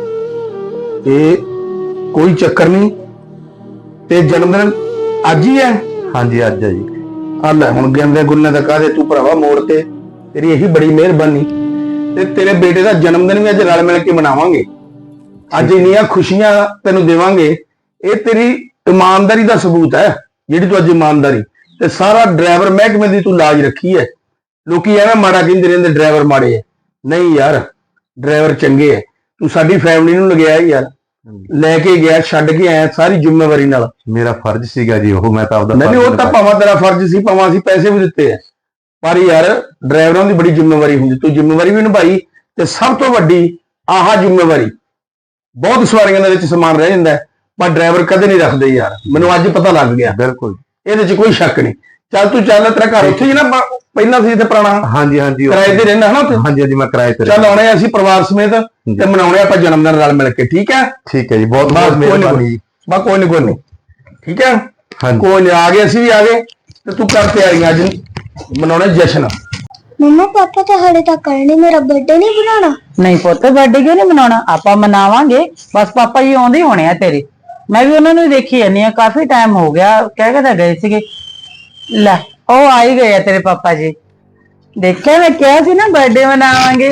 Speaker 3: ਇਹ ਕੋਈ ਚੱਕਰ ਨਹੀਂ, ਤੇ ਜਨਮ ਦਿਨ ਅੱਜ ਹੀ ਹੈ।
Speaker 2: ਹਾਂਜੀ, ਅੱਜ ਹੈ ਜੀ।
Speaker 3: ਆ ਲੈ ਹੁਣ ਗਿਣਦੇ ਗੁੰਨੇ ਦਾ ਕਾਹਦੇ, ਤੂੰ ਭਰਾਵਾ ਮੋੜ ਤੇ। ਤੇਰੀ ਇਹੀ ਬੜੀ ਮਿਹਰਬਾਨੀ। ਤੇ ਤੇਰੇ ਬੇਟੇ ਦਾ ਜਨਮ ਦਿਨ ਵੀ ਅੱਜ ਰਲ ਮਿਲ ਕੇ ਮਨਾਵਾਂਗੇ। ਅੱਜ ਇੰਨੀਆਂ ਖੁਸ਼ੀਆਂ ਤੈਨੂੰ ਦੇਵਾਂਗੇ। ਇਹ ਤੇਰੀ ਇਮਾਨਦਾਰੀ ਦਾ ਸਬੂਤ ਹੈ, ਜਿਹੜੀ ਤੂੰ ਅੱਜ ਇਮਾਨਦਾਰੀ ਤੇ ਸਾਰਾ ਡਰਾਈਵਰ ਮਹਿਕਮੇ ਦੀ ਤੂੰ ਲਾਜ ਰੱਖੀ ਹੈ। ਲੋਕੀ ਐਵੇਂ ਮਾੜਾ ਕਹਿੰਦੇ ਰਹਿੰਦੇ ਡਰਾਈਵਰ ਮਾੜੇ ਹੈ। ਨਹੀਂ ਯਾਰ, ਡਰਾਈਵਰ ਚੰਗੇ ਹੈ। ਤੂੰ ਸਾਡੀ ਫੈਮਿਲੀ ਨੂੰ ਲਗਿਆ ਯਾਰ, ਲੈ ਕੇ ਗਿਆ, ਛੱਡ ਕੇ ਆਇਆ ਸਾਰੀ ਜ਼ਿੰਮੇਵਾਰੀ ਨਾਲ।
Speaker 2: ਮੇਰਾ ਫਰਜ਼ ਸੀਗਾ ਜੀ ਉਹ, ਮੈਂ ਤਾਂ ਆਪਦਾ
Speaker 3: ਨਹੀਂ, ਉਹ ਤਾਂ ਭਾਵੇਂ ਤੇਰਾ ਫਰਜ਼ ਸੀ, ਭਾਵੇਂ ਅਸੀਂ ਪੈਸੇ ਵੀ ਦਿੱਤੇ ਆ, ਪਰ ਯਾਰ ਡਰਾਈਵਰਾਂ ਦੀ ਬੜੀ ਜ਼ਿੰਮੇਵਾਰੀ ਹੁੰਦੀ। ਤੂੰ ਜ਼ਿੰਮੇਵਾਰੀ ਵੀ ਨਿਭਾਈ ਤੇ ਸਭ ਤੋਂ ਵੱਡੀ ਆਹ ਜ਼ਿੰਮੇਵਾਰੀ। ਬਹੁਤ ਸਵਾਰੀਆਂ ਦੇ ਵਿੱਚ ਸਮਾਨ ਰਹਿ ਜਾਂਦਾ, ਪਰ ਡਰਾਈਵਰ ਕਦੇ ਨਹੀਂ ਰੱਖਦੇ ਯਾਰ। ਮੈਨੂੰ ਅੱਜ ਪਤਾ ਲੱਗ ਗਿਆ।
Speaker 2: ਬਿਲਕੁਲ,
Speaker 3: ਇਹਦੇ 'ਚ ਕੋਈ ਸ਼ੱਕ ਨਹੀਂ। ਚੱਲ ਤੂੰ ਚੱਲ, ਤੇਰਾ ਘਰ ਉੱਥੇ ਹੀ ਨਾ ਪਹਿਲਾਂ ਸੀ ਇੱਥੇ ਪੁਰਾਣਾ?
Speaker 2: ਹਾਂਜੀ ਹਾਂਜੀ,
Speaker 3: ਕਿਰਾਏ ਤੇ ਰਹਿੰਦਾ ਹਨਾ ਉੱਥੇ?
Speaker 2: ਹਾਂਜੀ ਹਾਂਜੀ, ਮੈਂ ਕਿਰਾਏ ਤੇ।
Speaker 3: ਚੱਲ ਆਉਣੇ ਅਸੀਂ ਪਰਿਵਾਰ ਸਮੇਤ ਤੇ ਮਨਾਉਣੇ ਆਪਾਂ ਜਨਮ ਦਿਨ ਰਲ ਮਿਲ ਕੇ। ਠੀਕ ਹੈ?
Speaker 2: ਠੀਕ ਹੈ ਜੀ, ਬਹੁਤ ਬਹੁਤ ਮਿਹਰਬਾਨੀ ਜੀ।
Speaker 3: ਬਾ ਕੋਈ ਨਹੀਂ ਕੋਈ ਨਹੀਂ, ਠੀਕ ਹੈ।
Speaker 2: ਹਾਂਜੀ,
Speaker 3: ਕੋਈ ਨਹੀਂ, ਆ ਗਏ ਅਸੀਂ ਵੀ ਆ ਗਏ ਤੇ ਤੂੰ ਕਰ ਤਿਆਰੀਆਂ, ਅੱਜ ਮਨਾਉਣੇ ਜਸ਼ਨ।
Speaker 4: ਮੰਮਾ ਪਾਪਾ ਤਾਂ ਹਾਲੇ ਤੱਕ ਕਰਨੀ, ਮੇਰਾ ਬਰਥਡੇ ਨਹੀਂ ਬਣਾਉਣਾ?
Speaker 1: ਨਹੀਂ ਪੁੱਤ, ਬਰਥਡੇ ਕਿਉਂ ਨਹੀਂ ਮਨਾਉਣਾ? ਆਪਾਂ ਮਨਾਵਾਂਗੇ, ਬਸ ਪਾਪਾ ਜੀ ਆਉਂਦੇ ਹੋਣੇ ਆ ਤੇਰੇ। ਮੈਂ ਵੀ ਉਹਨਾਂ ਨੂੰ ਦੇਖੀ ਜਾਂਦੀ ਆ, ਕਾਫੀ ਟਾਈਮ ਹੋ ਗਿਆ, ਕਹਿ ਕੇ ਤਾਂ ਗਏ ਸੀਗੇ। ਲੈ, ਉਹ ਆ ਹੀ ਗਏ ਆ ਤੇਰੇ ਪਾਪਾ ਜੀ। ਦੇਖਿਆ, ਮੈਂ ਕਿਹਾ ਸੀ ਨਾ ਬਰਥਡੇ ਮਨਾਵਾਂਗੇ।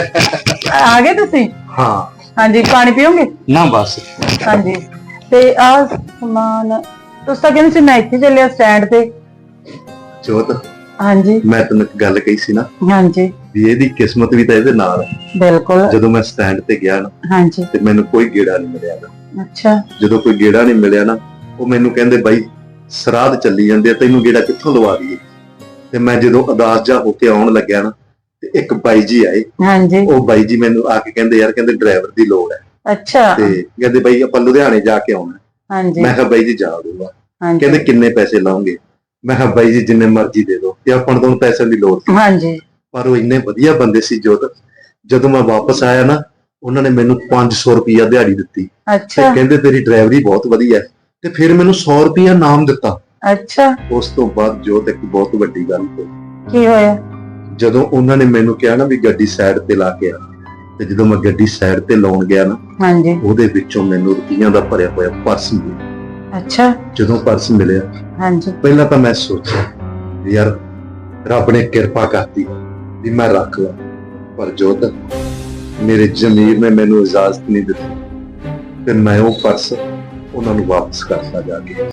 Speaker 1: ਆ ਗਏ ਤੁਸੀਂ?
Speaker 2: ਹਾਂ
Speaker 1: ਹਾਂਜੀ, ਪਾਣੀ ਪੀਓਗੇ?
Speaker 2: ਨਾ ਬਸ।
Speaker 1: ਹਾਂਜੀ, ਤੇ ਆ ਸਮਾਨ ਤੁਸੀਂ ਤਾਂ ਕਹਿੰਦੇ ਸੀ ਮੈਂ ਇੱਥੇ ਚੱਲਿਆ ਸਟੈਂਡ ਤੇ।
Speaker 2: ਜੋਤ,
Speaker 1: ਹਾਂਜੀ
Speaker 2: ਮੈਂ ਤੈਨੂੰ ਇੱਕ ਗੱਲ ਕਹੀ ਸੀ ਨਾ
Speaker 1: ਹਾਂਜੀ,
Speaker 2: ਵੀ ਇਹਦੀ ਕਿਸਮਤ ਵੀ ਤਾਂ ਇਹਦੇ ਨਾਲ ਹੈ।
Speaker 1: ਬਿਲਕੁਲ।
Speaker 2: ਜਦੋਂ ਮੈਂ ਸਟੈਂਡ ਤੇ ਗਿਆ ਨਾ
Speaker 1: ਹਾਂਜੀ,
Speaker 2: ਤੇ ਮੈਨੂੰ ਕੋਈ ਗੇੜਾ ਨਹੀਂ ਮਿਲਿਆ ਨਾ।
Speaker 1: ਅੱਛਾ।
Speaker 2: ਜਦੋਂ ਕੋਈ ਗੇੜਾ ਨਹੀਂ ਮਿਲਿਆ ਨਾ, ਉਹ ਮੈਨੂੰ ਕਹਿੰਦੇ ਬਾਈ ਸਰਾਧ ਚੱਲੀ ਜਾਂਦੇ ਆ, ਤੈਨੂੰ ਗੇੜਾ ਕਿੱਥੋਂ ਲਵਾ ਦਈਏ। ਤੇ ਮੈਂ ਜਦੋਂ ਉਦਾਸ ਜਾ ਹੋ ਕੇ ਆਉਣ ਲੱਗਿਆ ਨਾ, ਤੇ ਇੱਕ ਬਾਈ ਜੀ ਆਏ।
Speaker 1: ਹਾਂਜੀ।
Speaker 2: ਉਹ ਬਾਈ ਜੀ ਮੈਨੂੰ ਆ ਕੇ ਕਹਿੰਦੇ ਯਾਰ, ਕਹਿੰਦੇ ਡਰਾਈਵਰ ਦੀ ਲੋੜ ਹੈ।
Speaker 1: ਅੱਛਾ।
Speaker 2: ਤੇ ਕਹਿੰਦੇ ਬਾਈ ਆਪਾਂ ਲੁਧਿਆਣੇ ਜਾ ਕੇ ਆਉਣਾ।
Speaker 1: ਹਾਂਜੀ।
Speaker 2: ਮੈਂ ਕਿਹਾ ਬਾਈ ਜੀ ਜਾ ਦੂੰਗਾ।
Speaker 1: ਹਾਂਜੀ।
Speaker 2: ਕਹਿੰਦੇ ਕਿੰਨੇ ਪੈਸੇ ਲਾਉਂਗੇ? ਮੈਂ ਕਿਹਾ ਬਾਈ ਜੀ ਜਿੰਨੇ ਮਰਜ਼ੀ ਦੇ ਦਿਓ, ਤੇ ਆਪਾਂ ਨੂੰ ਤੁਹਾਨੂੰ ਪੈਸਿਆਂ ਦੀ ਲੋੜ ਸੀ।
Speaker 1: ਹਾਂਜੀ।
Speaker 2: ਪਰ ਉਹ ਇੰਨੇ ਵਧੀਆ ਬੰਦੇ ਸੀ ਜੋਤ, ਜਦੋਂ ਮੈਂ ਵਾਪਸ ਆਇਆ ਨਾ, ਉਹਨਾਂ ਨੇ ਮੈਨੂੰ ਪੰਜ ਸੌ ਰੁਪਇਆ ਦਿਹਾੜੀ ਦਿੱਤੀ।
Speaker 1: ਅੱਛਾ।
Speaker 2: ਤੇ ਕਹਿੰਦੇ ਤੇਰੀ ਡਰਾਈਵਰੀ ਬਹੁਤ ਵਧੀਆ ਹੈ, ਤੇ ਫਿਰ ਮੈਨੂੰ ਸੌ ਰੁਪਇਆ ਇਨਾਮ ਦਿੱਤਾ।
Speaker 1: ਅੱਛਾ।
Speaker 2: ਉਸ ਤੋਂ ਬਾਅਦ ਜੋਤ ਇੱਕ ਬਹੁਤ ਵੱਡੀ ਗੱਲ ਹੋਈ।
Speaker 1: ਕੀ ਹੋਇਆ?
Speaker 2: ਜਦੋਂ ਉਹਨਾਂ ਨੇ ਮੈਨੂੰ ਕਿਹਾ ਨਾ ਵੀ ਗੱਡੀ ਸਾਈਡ ਤੇ ਲਾ ਕੇ ਆ, ਤੇ ਜਦੋਂ ਮੈਂ ਗੱਡੀ ਸਾਈਡ ਤੇ ਲਾਉਣ ਗਿਆ ਨਾ,
Speaker 1: ਹਾਂਜੀ,
Speaker 2: ਉਹਦੇ ਵਿੱਚੋਂ ਮੈਨੂੰ ਰੁਪਈਆਂ ਦਾ ਭਰਿਆ ਹੋਇਆ ਪਰਸ ਮਿਲਿਆ।
Speaker 1: ਅੱਛਾ।
Speaker 2: ਜਦੋਂ ਪਰਸ ਮਿਲਿਆ,
Speaker 1: ਹਾਂਜੀ,
Speaker 2: ਪਹਿਲਾਂ ਤਾਂ ਮੈਂ ਸੋਚਿਆ ਵੀ ਯਾਰ ਰੱਬ ਨੇ ਕਿਰਪਾ ਕਰਤੀ ਵੀ ਮੈਂ ਰੱਖ ਲਾਂ, ਪਰ ਜੋਤ ਮੇਰੇ ਜ਼ਮੀਰ ਨੇ ਮੈਨੂੰ ਇਜਾਜ਼ਤ ਨਹੀਂ ਦਿੱਤੀ ਤੇ ਮੈਂ ਉਹ ਪਰਸ ਉਹਨਾਂ ਨੂੰ ਵਾਪਸ ਕਰਤਾ ਜਾ ਕੇ।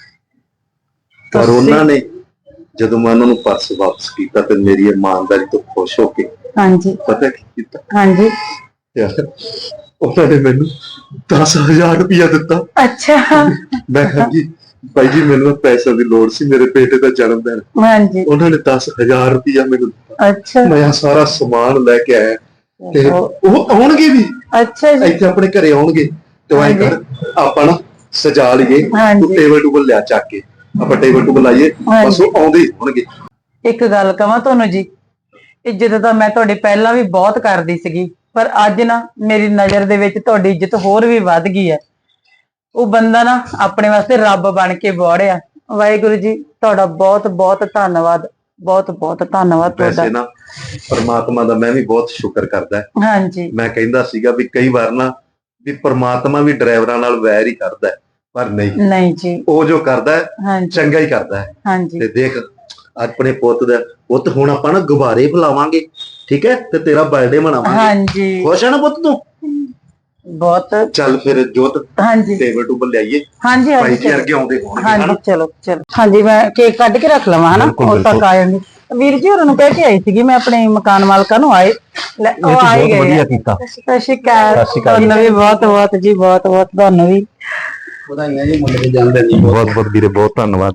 Speaker 2: ਪਰ ਉਹਨਾਂ ਨੇ ਜਦੋਂ ਮੈਂ ਉਹਨਾਂ ਨੂੰ ਪਰਸ ਵਾਪਸ ਕੀਤਾ ਤੇ ਮੇਰੀ ਇਮਾਨਦਾਰੀ ਤੋਂ ਖੁਸ਼ ਹੋ ਕੇ
Speaker 1: ਹਾਂਜੀ,
Speaker 2: ਪਤਾ ਕੀ ਕੀਤਾ?
Speaker 1: ਹਾਂਜੀ,
Speaker 2: ਯਾਰ ਉਹਨਾਂ ਨੇ ਮੈਨੂੰ ਦਸ ਹਜ਼ਾਰ ਰੁਪਇਆ ਦਿੱਤਾ।
Speaker 1: ਅੱਛਾ।
Speaker 2: ਮੈਂ ਕਿਹਾ ਜੀ ਭਾਈ ਜੀ ਮੈਨੂੰ ਪੈਸੇ ਦੀ ਲੋੜ ਸੀ, ਮੇਰੇ ਬੇਟੇ ਦਾ ਜਨਮ ਦਿਨ,
Speaker 1: ਹਾਂਜੀ
Speaker 2: ਉਹਨਾਂ ਨੇ ਦਸ ਹਜ਼ਾਰ ਰੁਪਇਆ ਮੈਨੂੰ ਦਿੱਤਾ।
Speaker 1: ਅੱਛਾ
Speaker 2: ਮੈਂ ਆਹ ਸਾਰਾ ਸਮਾਨ ਲੈ ਕੇ ਆਇਆ ਤੇ ਉਹ ਆਉਣਗੇ ਵੀ
Speaker 1: ਅੱਛਾ ਜੀ
Speaker 2: ਇੱਥੇ ਆਪਣੇ ਘਰੇ ਆਉਣਗੇ ਤੇ ਉਹ ਐਂ ਕਰ ਆਪਾਂ ਨਾ ਸਜਾ ਲਈਏ,
Speaker 1: ਹਾਂਜੀ।
Speaker 2: ਤੂੰ ਟੇਬਲ ਟੂਬਲ ਲਿਆ ਚੱਕ ਕੇ, ਆਪਾਂ ਟੇਬਲ ਟੂਬਲ ਲਾਈਏ, ਬਸ ਉਹ ਆਉਂਦੇ ਹੀ ਹੋਣਗੇ।
Speaker 1: ਇੱਕ ਗੱਲ ਕਵਾਂ ਤੁਹਾਨੂੰ ਜੀ, ਇੱਜ਼ਤ ਤਾਂ ਮੈਂ ਤੁਹਾਡੀ ਪਹਿਲਾਂ ਵੀ ਬਹੁਤ ਕਰਦੀ ਸੀਗੀ, ਪਰ ਅੱਜ ਨਾ ਮੇਰੀ ਨਜ਼ਰ ਦੇ ਵਿੱਚ ਤੁਹਾਡੀ ਇੱਜ਼ਤ ਹੋਰ ਵੀ ਵੱਧ ਗਈ ਹੈ। ਉਹ ਬੰਦਾ ਨਾ ਆਪਣੇ ਵਾਸਤੇ ਰੱਬ ਬਣ ਕੇ ਬੋੜਿਆ। ਵਾਹਿਗੁਰੂ ਜੀ ਤੁਹਾਡਾ ਬਹੁਤ ਬਹੁਤ ਧੰਨਵਾਦ, ਬਹੁਤ ਬਹੁਤ ਧੰਨਵਾਦ ਤੁਹਾਡਾ।
Speaker 2: ਵੈਸੇ ਨਾ ਪਰਮਾਤਮਾ ਦਾ ਮੈਂ ਵੀ ਬਹੁਤ ਸ਼ੁਕਰ ਕਰਦਾ।
Speaker 1: ਹਾਂਜੀ
Speaker 2: ਮੈਂ ਕਹਿੰਦਾ ਸੀਗਾ ਵੀ ਕਈ ਵਾਰ ਨਾ ਵੀ ਪਰਮਾਤਮਾ ਵੀ ਡਰਾਈਵਰਾਂ ਨਾਲ ਵੈਰ ਹੀ ਕਰਦਾ ਹੈ, ਪਰ ਨਹੀਂ,
Speaker 1: ਨਹੀਂ ਜੀ
Speaker 2: ਉਹ ਜੋ ਕਰਦਾ ਹੈ
Speaker 1: ਹਾਂਜੀ
Speaker 2: ਚੰਗਾ ਹੀ ਕਰਦਾ ਹੈ।
Speaker 1: ਹਾਂਜੀ
Speaker 2: ਤੇ ਦੇਖ ਆਪਣੇ ਪੁੱਤ ਦਾ ਪੁੱਤ ਹੁਣ ਆਪਾਂ ਨਾ ਗੁਬਾਰੇ ਫੁਲਾਵਾਂਗੇ, ਠੀਕ ਹੈ, ਤੇ ਤੇਰਾ ਬਰਥਡੇ ਮਨਾਵਾਂਗੇ।
Speaker 1: ਹਾਂਜੀ
Speaker 2: ਖੁਸ਼ ਹੈ ਨਾ ਪੁੱਤ ਤੂੰ?
Speaker 1: ਬਹੁਤ
Speaker 2: ਚੱਲ ਫਿਰ ਜੋਤ
Speaker 1: ਹਾਂਜੀ
Speaker 2: ਟੇਬਲ ਟੂਬਲ ਲਿਆਈਏ,
Speaker 1: ਹਾਂਜੀ
Speaker 2: ਭਾਈ
Speaker 1: ਹਾਂਜੀ
Speaker 2: ਜੀ ਅਰਗੇ ਆਉਂਦੇ ਹੋਣਗੇ
Speaker 1: ਹਾਂਜੀ
Speaker 2: ਹਨਾ।
Speaker 1: ਚਲੋ ਚਲੋ ਹਾਂਜੀ ਮੈਂ ਕੇਕ ਕੱਢ ਕੇ ਰੱਖ ਲਵਾਂ ਹਨਾ,
Speaker 2: ਬਿਲਕੁਲ,
Speaker 1: ਉਹ ਤੱਕ
Speaker 2: ਬਿਲਕੁਲ।
Speaker 1: ਆ ਜਾਣਗੇ। ਵੀਰ ਜੀ ਹੋਰਾਂ ਨੂੰ ਕਹਿ ਕੇ ਆਈ ਸੀਗੀ ਮੈਂ ਆਪਣੇ ਮਕਾਨ ਮਾਲਕਾਂ ਨੂੰ, ਆਏ ਲੈ ਉਹ ਆਏ ਗਏ
Speaker 2: ਵਧੀਆ
Speaker 1: ਆ।
Speaker 2: ਕੀਤਾ।
Speaker 1: ਸਤਿ ਸ਼੍ਰੀ ਅਕਾਲ ਤੁਹਾਨੂੰ ਵੀ ਬਹੁਤ ਬਹੁਤ ਜੀ, ਬਹੁਤ ਬਹੁਤ ਤੁਹਾਨੂੰ ਵੀ
Speaker 5: ਵਧਾਈਆਂ ਜੀ ਮੁੰਡੇ ਦੇ ਜਨਮ ਦਿਨ ਦੀ।
Speaker 2: ਬਹੁਤ ਬਹੁਤ ਵੀਰੇ, ਬਹੁਤ ਧੰਨਵਾਦ।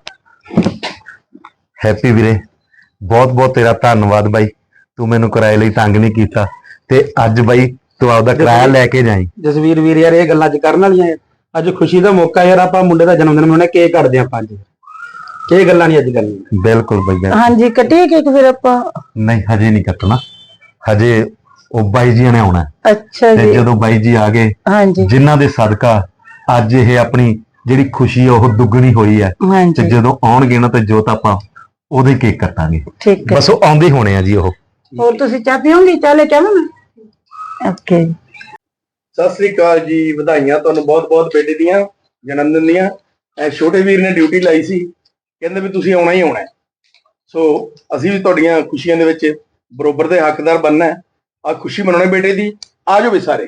Speaker 2: ਹੈਪੀ ਵੀਰੇ, ਬਹੁਤ ਬਹੁਤ ਤੇਰਾ ਧੰਨਵਾਦ ਬਾਈ, ਤੂੰ ਮੈਨੂੰ ਕਿਰਾਏ ਲਈ ਤੰਗ ਨਹੀਂ ਕੀਤਾ ਤੇ ਅੱਜ ਬਾਈ ਤੂੰ ਆਪਦਾ ਕਿਰਾਇਆ ਲੈ ਕੇ ਜਾਈਂ।
Speaker 5: ਜਸਵੀਰ ਵੀਰ ਯਾਰ ਇਹ ਗੱਲਾਂ ਅੱਜ ਕਰਨ ਵਾਲੀਆਂ ਆ। ਅੱਜ ਖੁਸ਼ੀ ਦਾ ਮੌਕਾ ਯਾਰ, ਆਪਾਂ ਮੁੰਡੇ ਦਾ ਜਨਮ ਦਿਨ ਮਨਾਉਣਾ, ਕੇਕ ਕੱਟਦੇ ਆਪਾਂ ਅੱਜ। ਇਹ ਗੱਲਾਂ ਨਹੀਂ ਅੱਜ ਕਰਨੀਆਂ।
Speaker 2: ਬਿਲਕੁਲ ਬਾਈ ਬਿਲਕੁਲ।
Speaker 1: ਹਾਂਜੀ ਕੱਟੀਏ ਕੇਕ ਫਿਰ ਆਪਾਂ?
Speaker 2: ਨਹੀਂ ਹਜੇ ਨਹੀਂ ਕੱਟਣਾ, ਹਜੇ ਉਹ ਬਾਈ ਜੀ ਨੇ ਆਉਣਾ ਹੈ।
Speaker 1: ਅੱਛਾ
Speaker 2: ਤੇ
Speaker 1: ਜੀ
Speaker 2: ਜਦੋਂ ਬਾਈ ਜੀ ਆ ਗਏ,
Speaker 1: ਹਾਂਜੀ
Speaker 2: ਜਿਨ੍ਹਾਂ ਦੇ ਸਦਕਾ ਅੱਜ ਇਹ ਆਪਣੀ ਜਿਹੜੀ ਖੁਸ਼ੀ ਆ ਉਹ ਦੁੱਗਣੀ ਹੋਈ ਹੈ, ਤੇ
Speaker 1: ਹਾਂਜੀ
Speaker 2: ਜਦੋਂ ਆਉਣਗੇ ਨਾ ਤੇ ਜੋਤ ਆਪਾਂ ਉਹਦੇ ਕੇਕ ਕੱਟਾਂਗੇ।
Speaker 1: ਠੀਕ ਹੈ।
Speaker 2: ਬਸ ਉਹ ਆਉਂਦੇ ਹੋਣੇ ਆ ਜੀ ਉਹ।
Speaker 1: ਹੋਰ ਤੁਸੀਂ ਚਾਹ ਪੀਓਗੇ? ਚਾਹ ਲੈ ਕੇ ਆਵਾਂ ਮੈਂ? ਓਕੇ
Speaker 3: ਸਤਿ ਸ੍ਰੀ ਅਕਾਲ ਜੀ, ਵਧਾਈਆਂ ਤੁਹਾਨੂੰ ਬਹੁਤ ਬਹੁਤ ਬੇਟੇ ਦੀਆਂ ਜਨਮ ਦਿਨ ਦੀਆਂ। ਐ ਛੋਟੇ ਵੀਰ ਨੇ ਡਿਊਟੀ ਲਾਈ ਸੀ, ਕਹਿੰਦੇ ਵੀ ਤੁਸੀਂ ਆਉਣਾ ਹੀ ਆਉਣਾ ਹੈ। ਸੋ ਅਸੀਂ ਵੀ ਤੁਹਾਡੀਆਂ ਖੁਸ਼ੀਆਂ ਦੇ ਵਿੱਚ ਬਰੋਬਰ ਦੇ ਹੱਕਦਾਰ ਬਣਨਾ ਹੈ। ਆ ਖੁਸ਼ੀ ਮਨਾਉਣੀ ਬੇਟੇ ਦੀ, ਆ ਜਾਓ ਵੀ ਸਾਰੇ।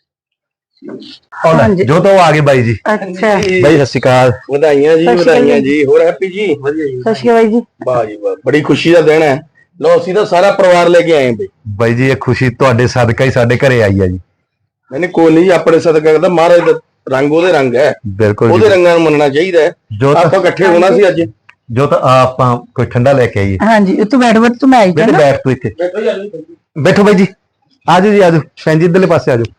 Speaker 1: ਹਾਂਜੀ।
Speaker 2: ਜੋ ਤਾਂ ਉਹ ਆ ਗਏ ਬਾਈ ਜੀ।
Speaker 1: ਅੱਛਾ
Speaker 2: ਬਾਈ ਸਤਿ ਸ਼੍ਰੀ ਅਕਾਲ।
Speaker 3: ਵਧਾਈਆਂ ਜੀ,
Speaker 1: ਸਤਿ ਸ਼੍ਰੀ ਅਕਾਲ
Speaker 3: ਵਧਾਈਆਂ
Speaker 1: ਜੀ।
Speaker 3: ਜੀ। ਹੋਰ ਹੈਪੀ ਜੀ? ਵਧੀਆ ਜੀ।
Speaker 1: ਸਤਿ ਸ਼੍ਰੀ ਅਕਾਲ ਜੀ।
Speaker 3: ਵਾਹ ਜੀ ਵਾਹ, ਬੜੀ ਖੁਸ਼ੀ ਦਾ ਦਿਨ ਹੈ। ਲੋ ਅਸੀਂ ਤਾਂ ਸਾਰਾ ਪਰਿਵਾਰ ਲੈ ਕੇ ਆਏ ਬਈ।
Speaker 2: ਬਾਈ ਜੀ ਇਹ ਖੁਸ਼ੀ ਤੁਹਾਡੇ ਸਦਕਾ ਹੀ ਸਾਡੇ ਘਰੇ ਆਈ ਆ ਜੀ।
Speaker 3: ਮੈਨੇ ਕੋਈ ਨਹੀਂ, ਆਪਣੇ ਸਦਕਾ ਕਰਦਾ, ਮਹਾਰਾਜ ਦਾ ਰੰਗ ਉਹਦੇ ਰੰਗ ਹੈ,
Speaker 2: ਬਿਲਕੁਲ
Speaker 3: ਉਹਦੇ
Speaker 2: ਜੀ।
Speaker 3: ਰੰਗਾਂ ਨੂੰ ਮੰਨਣਾ ਚਾਹੀਦਾ ਹੈ।
Speaker 2: ਜੋ ਤਾਂ
Speaker 3: ਆਪਾਂ ਇਕੱਠੇ ਹੋਣਾ ਸੀ ਅੱਜ।
Speaker 2: ਜੋ ਤਾਂ ਆ ਆਪਾਂ ਕੋਈ ਠੰਡਾ ਲੈ ਕੇ ਆਈਏ।
Speaker 1: ਹਾਂਜੀ ਤੂੰ ਬੈਠ ਬੈਠ ਤੂੰ ਮੈਂ ਆਈ
Speaker 2: ਬੇਟੇ
Speaker 1: ਜਾਣਾ।
Speaker 2: ਬੈਠ ਤੂੰ ਇੱਥੇ,
Speaker 3: ਬੈਠੋ ਜੀ, ਆ ਜਾਓ।
Speaker 2: ਬੈਠੋ ਬਾਈ ਜੀ। ਆਜੋ ਜੀ ਆਜੋ, ਭੈਣ ਜੀ ਇੱਧਰਲੇ ਪਾਸੇ ਆਜੋ।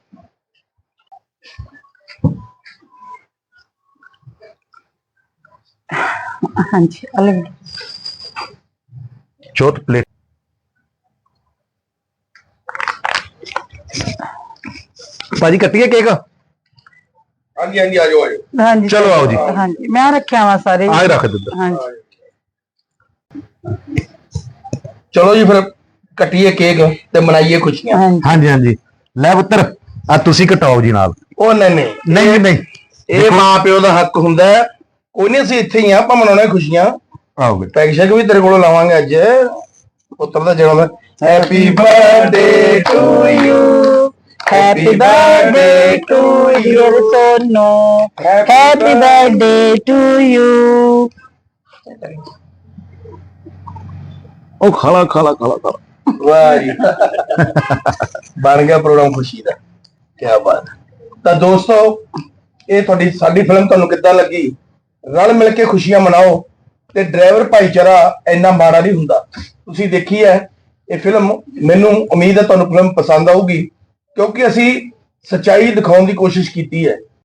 Speaker 1: ਹਾਂਜੀ ਅਲੱਗ
Speaker 2: ਚੌਥ ਪਲੇਟ। ਭਾਜੀ ਕੱਟੀਏ ਕੇਕ?
Speaker 3: ਹਾਂਜੀ ਹਾਂਜੀ, ਆ ਜਾਓ ਆ ਜਾਓ।
Speaker 1: ਹਾਂਜੀ
Speaker 2: ਚਲੋ ਆਓ ਜੀ।
Speaker 1: ਹਾਂਜੀ ਮੈਂ ਰੱਖਿਆ ਵਾ ਸਾਰੇ।
Speaker 2: ਆਹ ਰੱਖ ਦਿੱਤਾ।
Speaker 1: ਹਾਂਜੀ
Speaker 3: ਚਲੋ ਜੀ ਫਿਰ ਕੱਟੀਏ ਕੇਕ ਤੇ ਮਨਾਈਏ ਖੁਸ਼ੀਆਂ।
Speaker 1: ਹਾਂਜੀ
Speaker 2: ਹਾਂਜੀ ਹਾਂਜੀ, ਲੈ ਪੁੱਤਰ ਆ ਤੁਸੀਂ ਕਟਾਓ ਜੀ ਨਾਲ।
Speaker 3: ਉਹ ਨਹੀਂ ਨਹੀਂ,
Speaker 2: ਨਹੀਂ ਨਹੀਂ
Speaker 3: ਇਹ ਮਾਂ ਪਿਓ ਦਾ ਹੱਕ ਹੁੰਦਾ ਹੈ। ਕੋਈ ਨਹੀਂ, ਅਸੀਂ ਇੱਥੇ ਹੀ ਆ, ਆਪਾਂ ਮਨਾਉਣਾ ਖੁਸ਼ੀਆਂ।
Speaker 2: ਆਓ ਬੇਟਾ।
Speaker 3: ਪੈਕ ਸ਼ੈਕ ਵੀ ਤੇਰੇ ਕੋਲੋਂ ਲਾਵਾਂਗੇ ਅੱਜ, ਪੁੱਤਰ ਦਾ ਜਨਮ ਦਿਨ। Happy birthday to you,
Speaker 1: happy birthday to you ਸੋਨੋ, ਹੈਪੀ ਬਰਥਡੇ ਟੂ ਯੂ।
Speaker 2: ਉਹ ਖਾਲਾ ਖਾਲਾ ਖਾਲਾ ਖਾਲਾ।
Speaker 3: ਵਾਹ ਜੀ, ਬਣ ਗਿਆ ਪ੍ਰੋਗਰਾਮ ਖੁਸ਼ੀ ਦਾ। ਕੀ ਬਾਤ। ਤਾਂ ਦੋਸਤੋ, ਇਹ ਤੁਹਾਡੀ ਸਾਡੀ ਫਿਲਮ ਤੁਹਾਨੂੰ ਕਿੱਦਾਂ ਲੱਗੀ? ਰਲ ਮਿਲ ਕੇ ਖੁਸ਼ੀਆਂ ਮਨਾਓ ਤੇ ਡਰਾਈਵਰ ਭਾਈਚਾਰਾ ਇੰਨਾ ਮਾੜਾ ਨਹੀਂ ਹੁੰਦਾ। ਤੁਸੀਂ ਦੇਖੀ ਹੈ ਇਹ ਫਿਲਮ, ਮੈਨੂੰ ਉਮੀਦ ਹੈ ਤੁਹਾਨੂੰ ਫਿਲਮ ਪਸੰਦ ਆਊਗੀ, ਕਿਉਂਕਿ ਅਸੀਂ ਸੱਚਾਈ ਦਿਖਾਉਣ ਦੀ ਕੋਸ਼ਿਸ਼ ਕੀਤੀ ਹੈ।